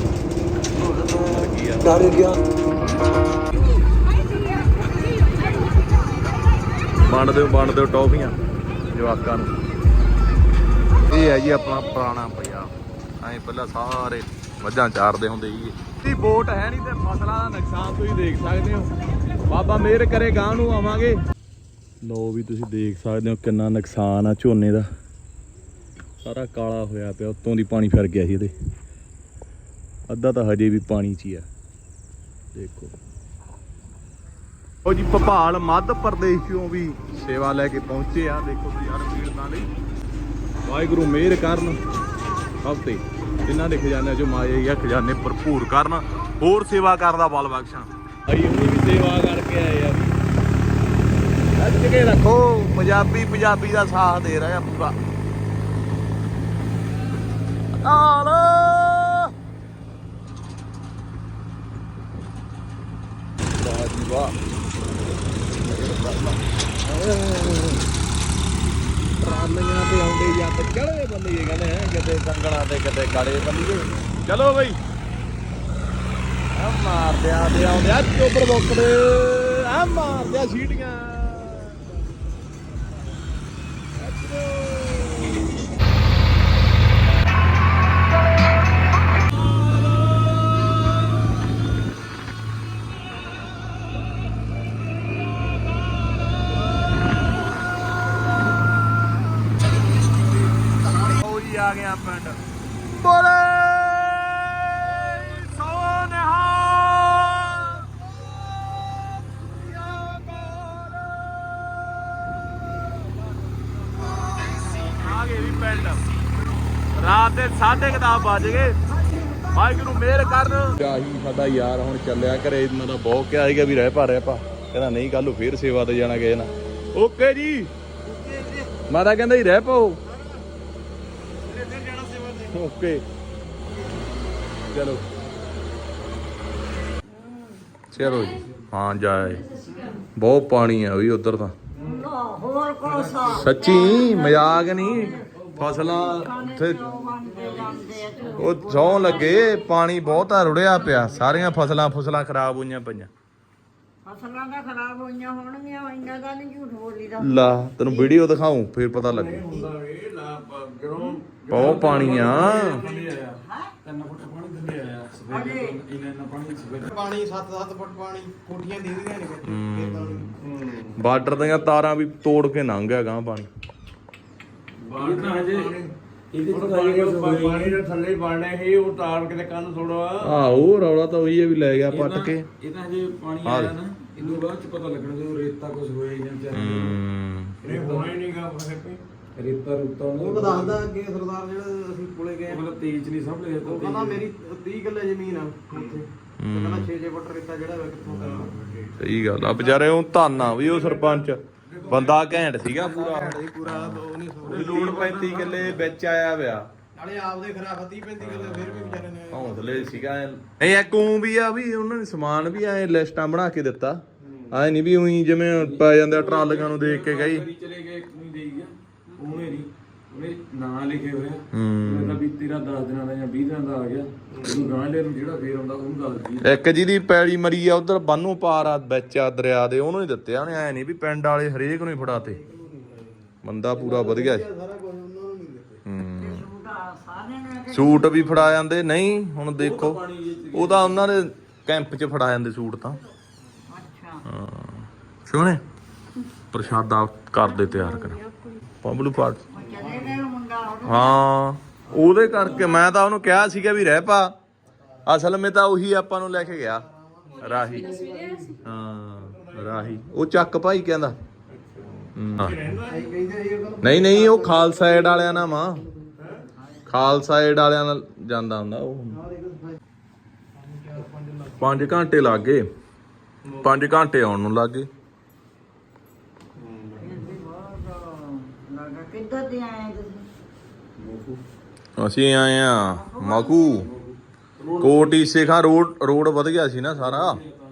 [SPEAKER 1] ਵੰਡ ਦਿਓ ਟੌਫੀਆਂ ਜਵਾਕਾਂ ਨੂੰ। ਇਹ ਹੈ ਜੀ ਆਪਣਾ ਪੁਰਾਣਾ ਪੰਜਾਬ। ਐਂ ਪਹਿਲਾਂ ਸਾਰੇ ਮੱਝਾਂ ਚਾਰਦੇ ਹੁੰਦੇ ਸੀ। ਵੋਟ ਹੈ ਨਹੀਂ ਤੇ ਫਸਲਾਂ ਦਾ ਨੁਕਸਾਨ ਤੁਸੀਂ ਦੇਖ ਸਕਦੇ ਹੋ। ਬਾਬਾ ਮਿਹਰ ਕਰੇ ਗਾਂ ਨੂੰ ਆਵਾਂਗੇ। ਲੋ ਵੀ ਤੁਸੀਂ ਦੇਖ ਸਕਦੇ ਹੋ ਕਿੰਨਾ ਨੁਕਸਾਨ ਆ ਝੋਨੇ ਦਾ। ਸਾਰਾ ਕਾਲਾ ਹੋਇਆ ਪਿਆ, ਉੱਤੋਂ ਦੀ ਪਾਣੀ ਫਿਰ ਗਿਆ ਸੀ ਇਹਦੇ। ਅੱਧਾ ਤਾਂ ਹਜੇ ਵੀ ਪਾਣੀ 'ਚ ਹੀ ਆ ਦੇਖੋ। ਉਹ ਜੀ ਭੋਪਾਲ ਮੱਧ ਪ੍ਰਦੇਸ਼ ਚੋਂ ਵੀ ਸੇਵਾ ਲੈ ਕੇ ਪਹੁੰਚੇ ਆ। ਦੇਖੋ ਤੁਸੀਂ ਹਰ ਪੀੜਤਾਂ ਲਈ ਵਾਹਿਗੁਰੂ ਮਿਹਰ ਕਰਨ ਸਭ ਤੇ, ਜਿਨ੍ਹਾਂ ਦੇ ਖਜ਼ਾਨੇ ਚੋਂ ਮਾਏ ਜਾਂ ਖਜ਼ਾਨੇ ਭਰਪੂਰ ਕਰਨ, ਹੋਰ ਸੇਵਾ ਕਰਨ ਦਾ ਬਲ ਬਖਸ਼ਣ। ਅਸੀਂ ਉਹਦੀ ਵੀ ਸੇਵਾ ਕਰਕੇ ਆਏ ਆ। ਰੱਜ ਕੇ ਰੱਖੋ, ਪੰਜਾਬੀ ਦਾ ਸਾਥ ਦੇ ਰਿਹਾ ਪੂਰਾ। ਆਲ ਵਾਹ ਜੀ ਵਾਹ। ਰਾਮੀਆਂ ਤੇ ਆਉਂਦੇ ਜਾਂ ਤੇ ਚੜੇ ਬੰਦੇ ਕਹਿੰਦੇ ਹੈ, ਕਿਤੇ ਕੰਗਣਾ ਤੇ ਕਿਤੇ ਕਾਲੇ ਬੰਦੇ। ਚਲੋ ਬਈ ਆ ਮਾਰਦੇ ਆਉਂਦੇ ਆ ਚੋਬਰ ਬੋਕੜੇ ਆ ਮਾਰਦੇ ਆ ਸੀਟੀਆਂ। ਆ ਗਿਆ ਪਿੰਡ ਬੋਲੇ ਸੋਨੇਹਾ। ਆ ਗਏ ਵੀ ਪਿੰਡ। ਰਾਤ ਦੇ 10:30 ਵੱਜ ਗਏ। ਵਾਹਿਗੁਰੂ ਮਿਹਰ ਕਰਨ। ਆਹੀ ਸਾਡਾ ਯਾਰ ਹੁਣ ਚੱਲਿਆ ਘਰੇ। ਇਹਨਾਂ ਦਾ ਬਹੁਤ ਕਿਹਾ ਸੀਗਾ ਵੀ ਰਹਿ ਪਾ ਕਹਿੰਦਾ ਨਹੀਂ, ਕੱਲ ਨੂੰ ਫੇਰ ਸੇਵਾ ਤੇ ਜਾਣਾ ਕਿਸੇ ਨਾਲ। ਓਕੇ ਜੀ ਮਾਤਾ ਕਹਿੰਦਾ ਹੀ ਰਹਿ ਪਾਓ। ਓਕੇ ਚਲੋ ਚਲੋ ਜੀ। ਹਾਂ ਜਾਏ ਬਹੁਤ ਪਾਣੀ ਆ ਵੀ ਉਧਰ ਤਾਂ। ਸੱਚੀ ਮਜ਼ਾਕ ਨਹੀਂ। ਫਸਲਾਂ ਉੱਥੇ ਉਹ ਸੌਂ ਲੱਗੇ, ਪਾਣੀ ਬਹੁਤਾ ਰੁੜਿਆ ਪਿਆ। ਸਾਰੀਆਂ ਫਸਲਾਂ ਖਰਾਬ ਹੋਈਆਂ ਪਈਆਂ।
[SPEAKER 8] ਫਸਲਾਂ ਤਾਂ ਖਰਾਬ ਹੋਈਆਂ ਹੋਣਗੀਆਂ, ਇੰਨਾ ਦਾ ਨਹੀਂ ਝੂਠ ਬੋਲੀਦਾ।
[SPEAKER 1] ਲਾ ਤੈਨੂੰ ਵੀਡੀਓ ਦਿਖਾਉਂ ਫੇਰ ਪਤਾ ਲੱਗੇ। ਬਹੁਤ ਪਾਣੀ ਆ।
[SPEAKER 5] ਪਾਣੀ 7-7 ਫੁੱਟ ਪਾਣੀ, ਕੋਠੀਆਂ ਦਿਖਦੀਆਂ ਨੇ।
[SPEAKER 1] ਬਾਰਡਰ ਦੀਆਂ ਤਾਰਾਂ ਵੀ ਤੋੜ ਕੇ ਲੰਘ ਗਿਆ ਗਾਂ ਪਾਣੀ।
[SPEAKER 5] ਪਾਣੀ ਦੇ ਥੱਲੇ ਬਣਨੇ ਸੀ, ਉਹ ਤਾਰ ਕਿਤੇ ਕੰਨ ਥੋੜਾ।
[SPEAKER 1] ਉਹ ਰੌਲਾ ਤਾਂ ਉਹੀ ਹੈ ਵੀ ਲੈ ਗਿਆ ਪੱਟ ਕੇ।
[SPEAKER 3] ਇਹ ਤਾਂ ਹਜੇ ਪਾਣੀ ਆਇਆ ਨਾ, ਇਹਨੂੰ ਬਾਅਦ ਚ ਪਤਾ ਲੱਗਣਾ ਜਦੋਂ ਰੇਤਾ ਕੁਝ ਹੋਇਆ ਜਾਂ
[SPEAKER 5] ਇਹ ਹੋਣਾ ਹੀ ਨਹੀਂਗਾ।
[SPEAKER 3] ਰੇਤਾ ਰੂਤਾ
[SPEAKER 5] ਉਹ ਦੱਸਦਾ ਕਿ ਸਰਦਾਰ ਜਿਹੜਾ ਅਸੀਂ ਕੋਲੇ ਗਏ
[SPEAKER 3] ਮਤਲਬ ਤੇਜ਼ ਨਹੀਂ ਸਾਂਭਲੇ।
[SPEAKER 5] ਉਹ ਕਹਿੰਦਾ ਮੇਰੀ 30 ਕਿੱਲੇ ਜ਼ਮੀਨ ਆ ਉੱਥੇ।
[SPEAKER 2] ਕਹਿੰਦਾ 6 ਫੁੱਟ ਰੇਤਾ ਜਿਹੜਾ ਵਾ ਕਿੱਥੋਂ ਕਰਨਾ।
[SPEAKER 1] ਸਹੀ ਗੱਲ ਆ ਵਿਚਾਰੇ ਉਹ ਧਾਨਾ ਵੀ ਉਹ ਸਰਪੰਚ ਬੰਦਾ ਘੈਂਟ ਸੀਗਾ ਪੂਰਾ
[SPEAKER 5] ਪੂਰਾ ਉਹ ਨਹੀਂ
[SPEAKER 1] ਲੋੜ 35 ਕਿੱਲੇ ਵਿੱਚ ਆਇਆ ਪਿਆ
[SPEAKER 5] ਨਾਲੇ ਆਪਦੇ ਖਰਾ 35 ਕਿਲੋ ਫਿਰ ਵੀ ਵਿਚਾਰੇ ਨੇ
[SPEAKER 1] ਹੌਸਲੇ ਸੀਗਾ ਇਹ ਇੱਕ ਊਂ ਵੀ ਆ ਵੀ ਉਹਨਾਂ ਨੇ ਸਮਾਨ ਵੀ ਐ ਲਿਸਟਾਂ ਬਣਾ ਕੇ ਦਿੱਤਾ ਐ ਨਹੀਂ ਵੀ ਉਹੀ ਜਿਵੇਂ ਪੈ ਜਾਂਦੇ ਆ ਟਰਾਲੀਆਂ ਨੂੰ ਦੇਖ ਕੇ ਗਈ
[SPEAKER 3] ਚਲੇ ਗਏ ਨਹੀਂ ਦੇਈ ਗਿਆ ਉਹਨੇ ਨਹੀਂ ਉਹਨੇ ਨਾਂ ਲਿਖੇ ਹੋਇਆ
[SPEAKER 1] ਹੂੰ
[SPEAKER 3] ਤਾਂ ਵੀ ਤੇਰਾ 10 ਦਿਨਾਂ ਦਾ ਜਾਂ 20 ਦਿਨਾਂ ਦਾ ਆ ਗਿਆ ਉਹਨੂੰ ਗਾਂਲੇ ਨੂੰ ਜਿਹੜਾ ਫੇਰ ਆਉਂਦਾ ਉਹਨੂੰ ਦੱਸ ਦੀ
[SPEAKER 1] ਇੱਕ ਜਿਹਦੀ ਪੈਲੀ ਮਰੀ ਆ ਉਧਰ ਬੰਨੂ ਪਾਰ ਆ ਵਿੱਚ ਆ ਦਰਿਆ ਦੇ ਉਹਨੂੰ ਹੀ ਦਿੱਤੇ ਆ ਉਹਨੇ ਐ ਨਹੀਂ ਵੀ ਪਿੰਡ ਵਾਲੇ ਹਰੇਕ ਨੂੰ ਹੀ ਫੜਾਤੇ ਬੰਦਾ ਪੂਰਾ ਵਧੀਆ ਸੀ ਸੂਟ ਵੀ ਫੜਾ ਜਾਂਦੇ ਨਹੀਂ ਹੁਣ ਦੇਖੋ ਉਹ ਤਾਂ ਉਹਨਾਂ ਦੇ ਕੈਂਪ 'ਚ ਫੜਾ ਜਾਂਦੇ ਸੂਟ ਤਾਂ ਹਾਂ ਸੋਹਣੇ ਪ੍ਰਸ਼ਾਦਾ ਕਰਦੇ ਤਿਆਰ ਕਰ ਪਬਲੂ ਪਾਟ ਹਾਂ ਉਹਦੇ ਕਰਕੇ ਮੈਂ ਤਾਂ ਉਹਨੂੰ ਕਿਹਾ ਸੀਗਾ ਵੀ ਰਹਿ ਪਾ ਅਸਲ ਵਿੱਚ ਤਾਂ ਉਹੀ ਆਪਾਂ ਨੂੰ ਲੈ ਕੇ ਗਿਆ ਰਾਹੀ ਹਾਂ ਰਾਹੀ ਉਹ ਚੱਕ ਭਾਈ ਕਹਿੰਦਾ ਨਹੀਂ ਨਹੀਂ ਉਹ ਖਾਲਸਾ ਏਡ ਵਾਲਿਆਂ ਨਾਲ ਮਾਂ ਖਾਲਸਾ ਏਡ ਵਾਲਿਆਂ ਨਾਲ ਜਾਂਦਾ ਹੁੰਦਾ ਉਹ 5 ਘੰਟੇ ਲੱਗ ਗਏ 5 ਘੰਟੇ ਆਉਣ ਨੂੰ ਲੱਗ ਗਏ
[SPEAKER 8] ਕਿੱਧਰ ਦੇ ਆਏ ਤੁਸੀਂ?
[SPEAKER 1] ਅਸੀਂ ਆਏ ਆ ਮਾਕੂ ਕੋਟੀ ਸੇਖਾਂ ਰੋਡ ਵਧੀਆ ਸੀ ਨਾ ਸਾਰਾ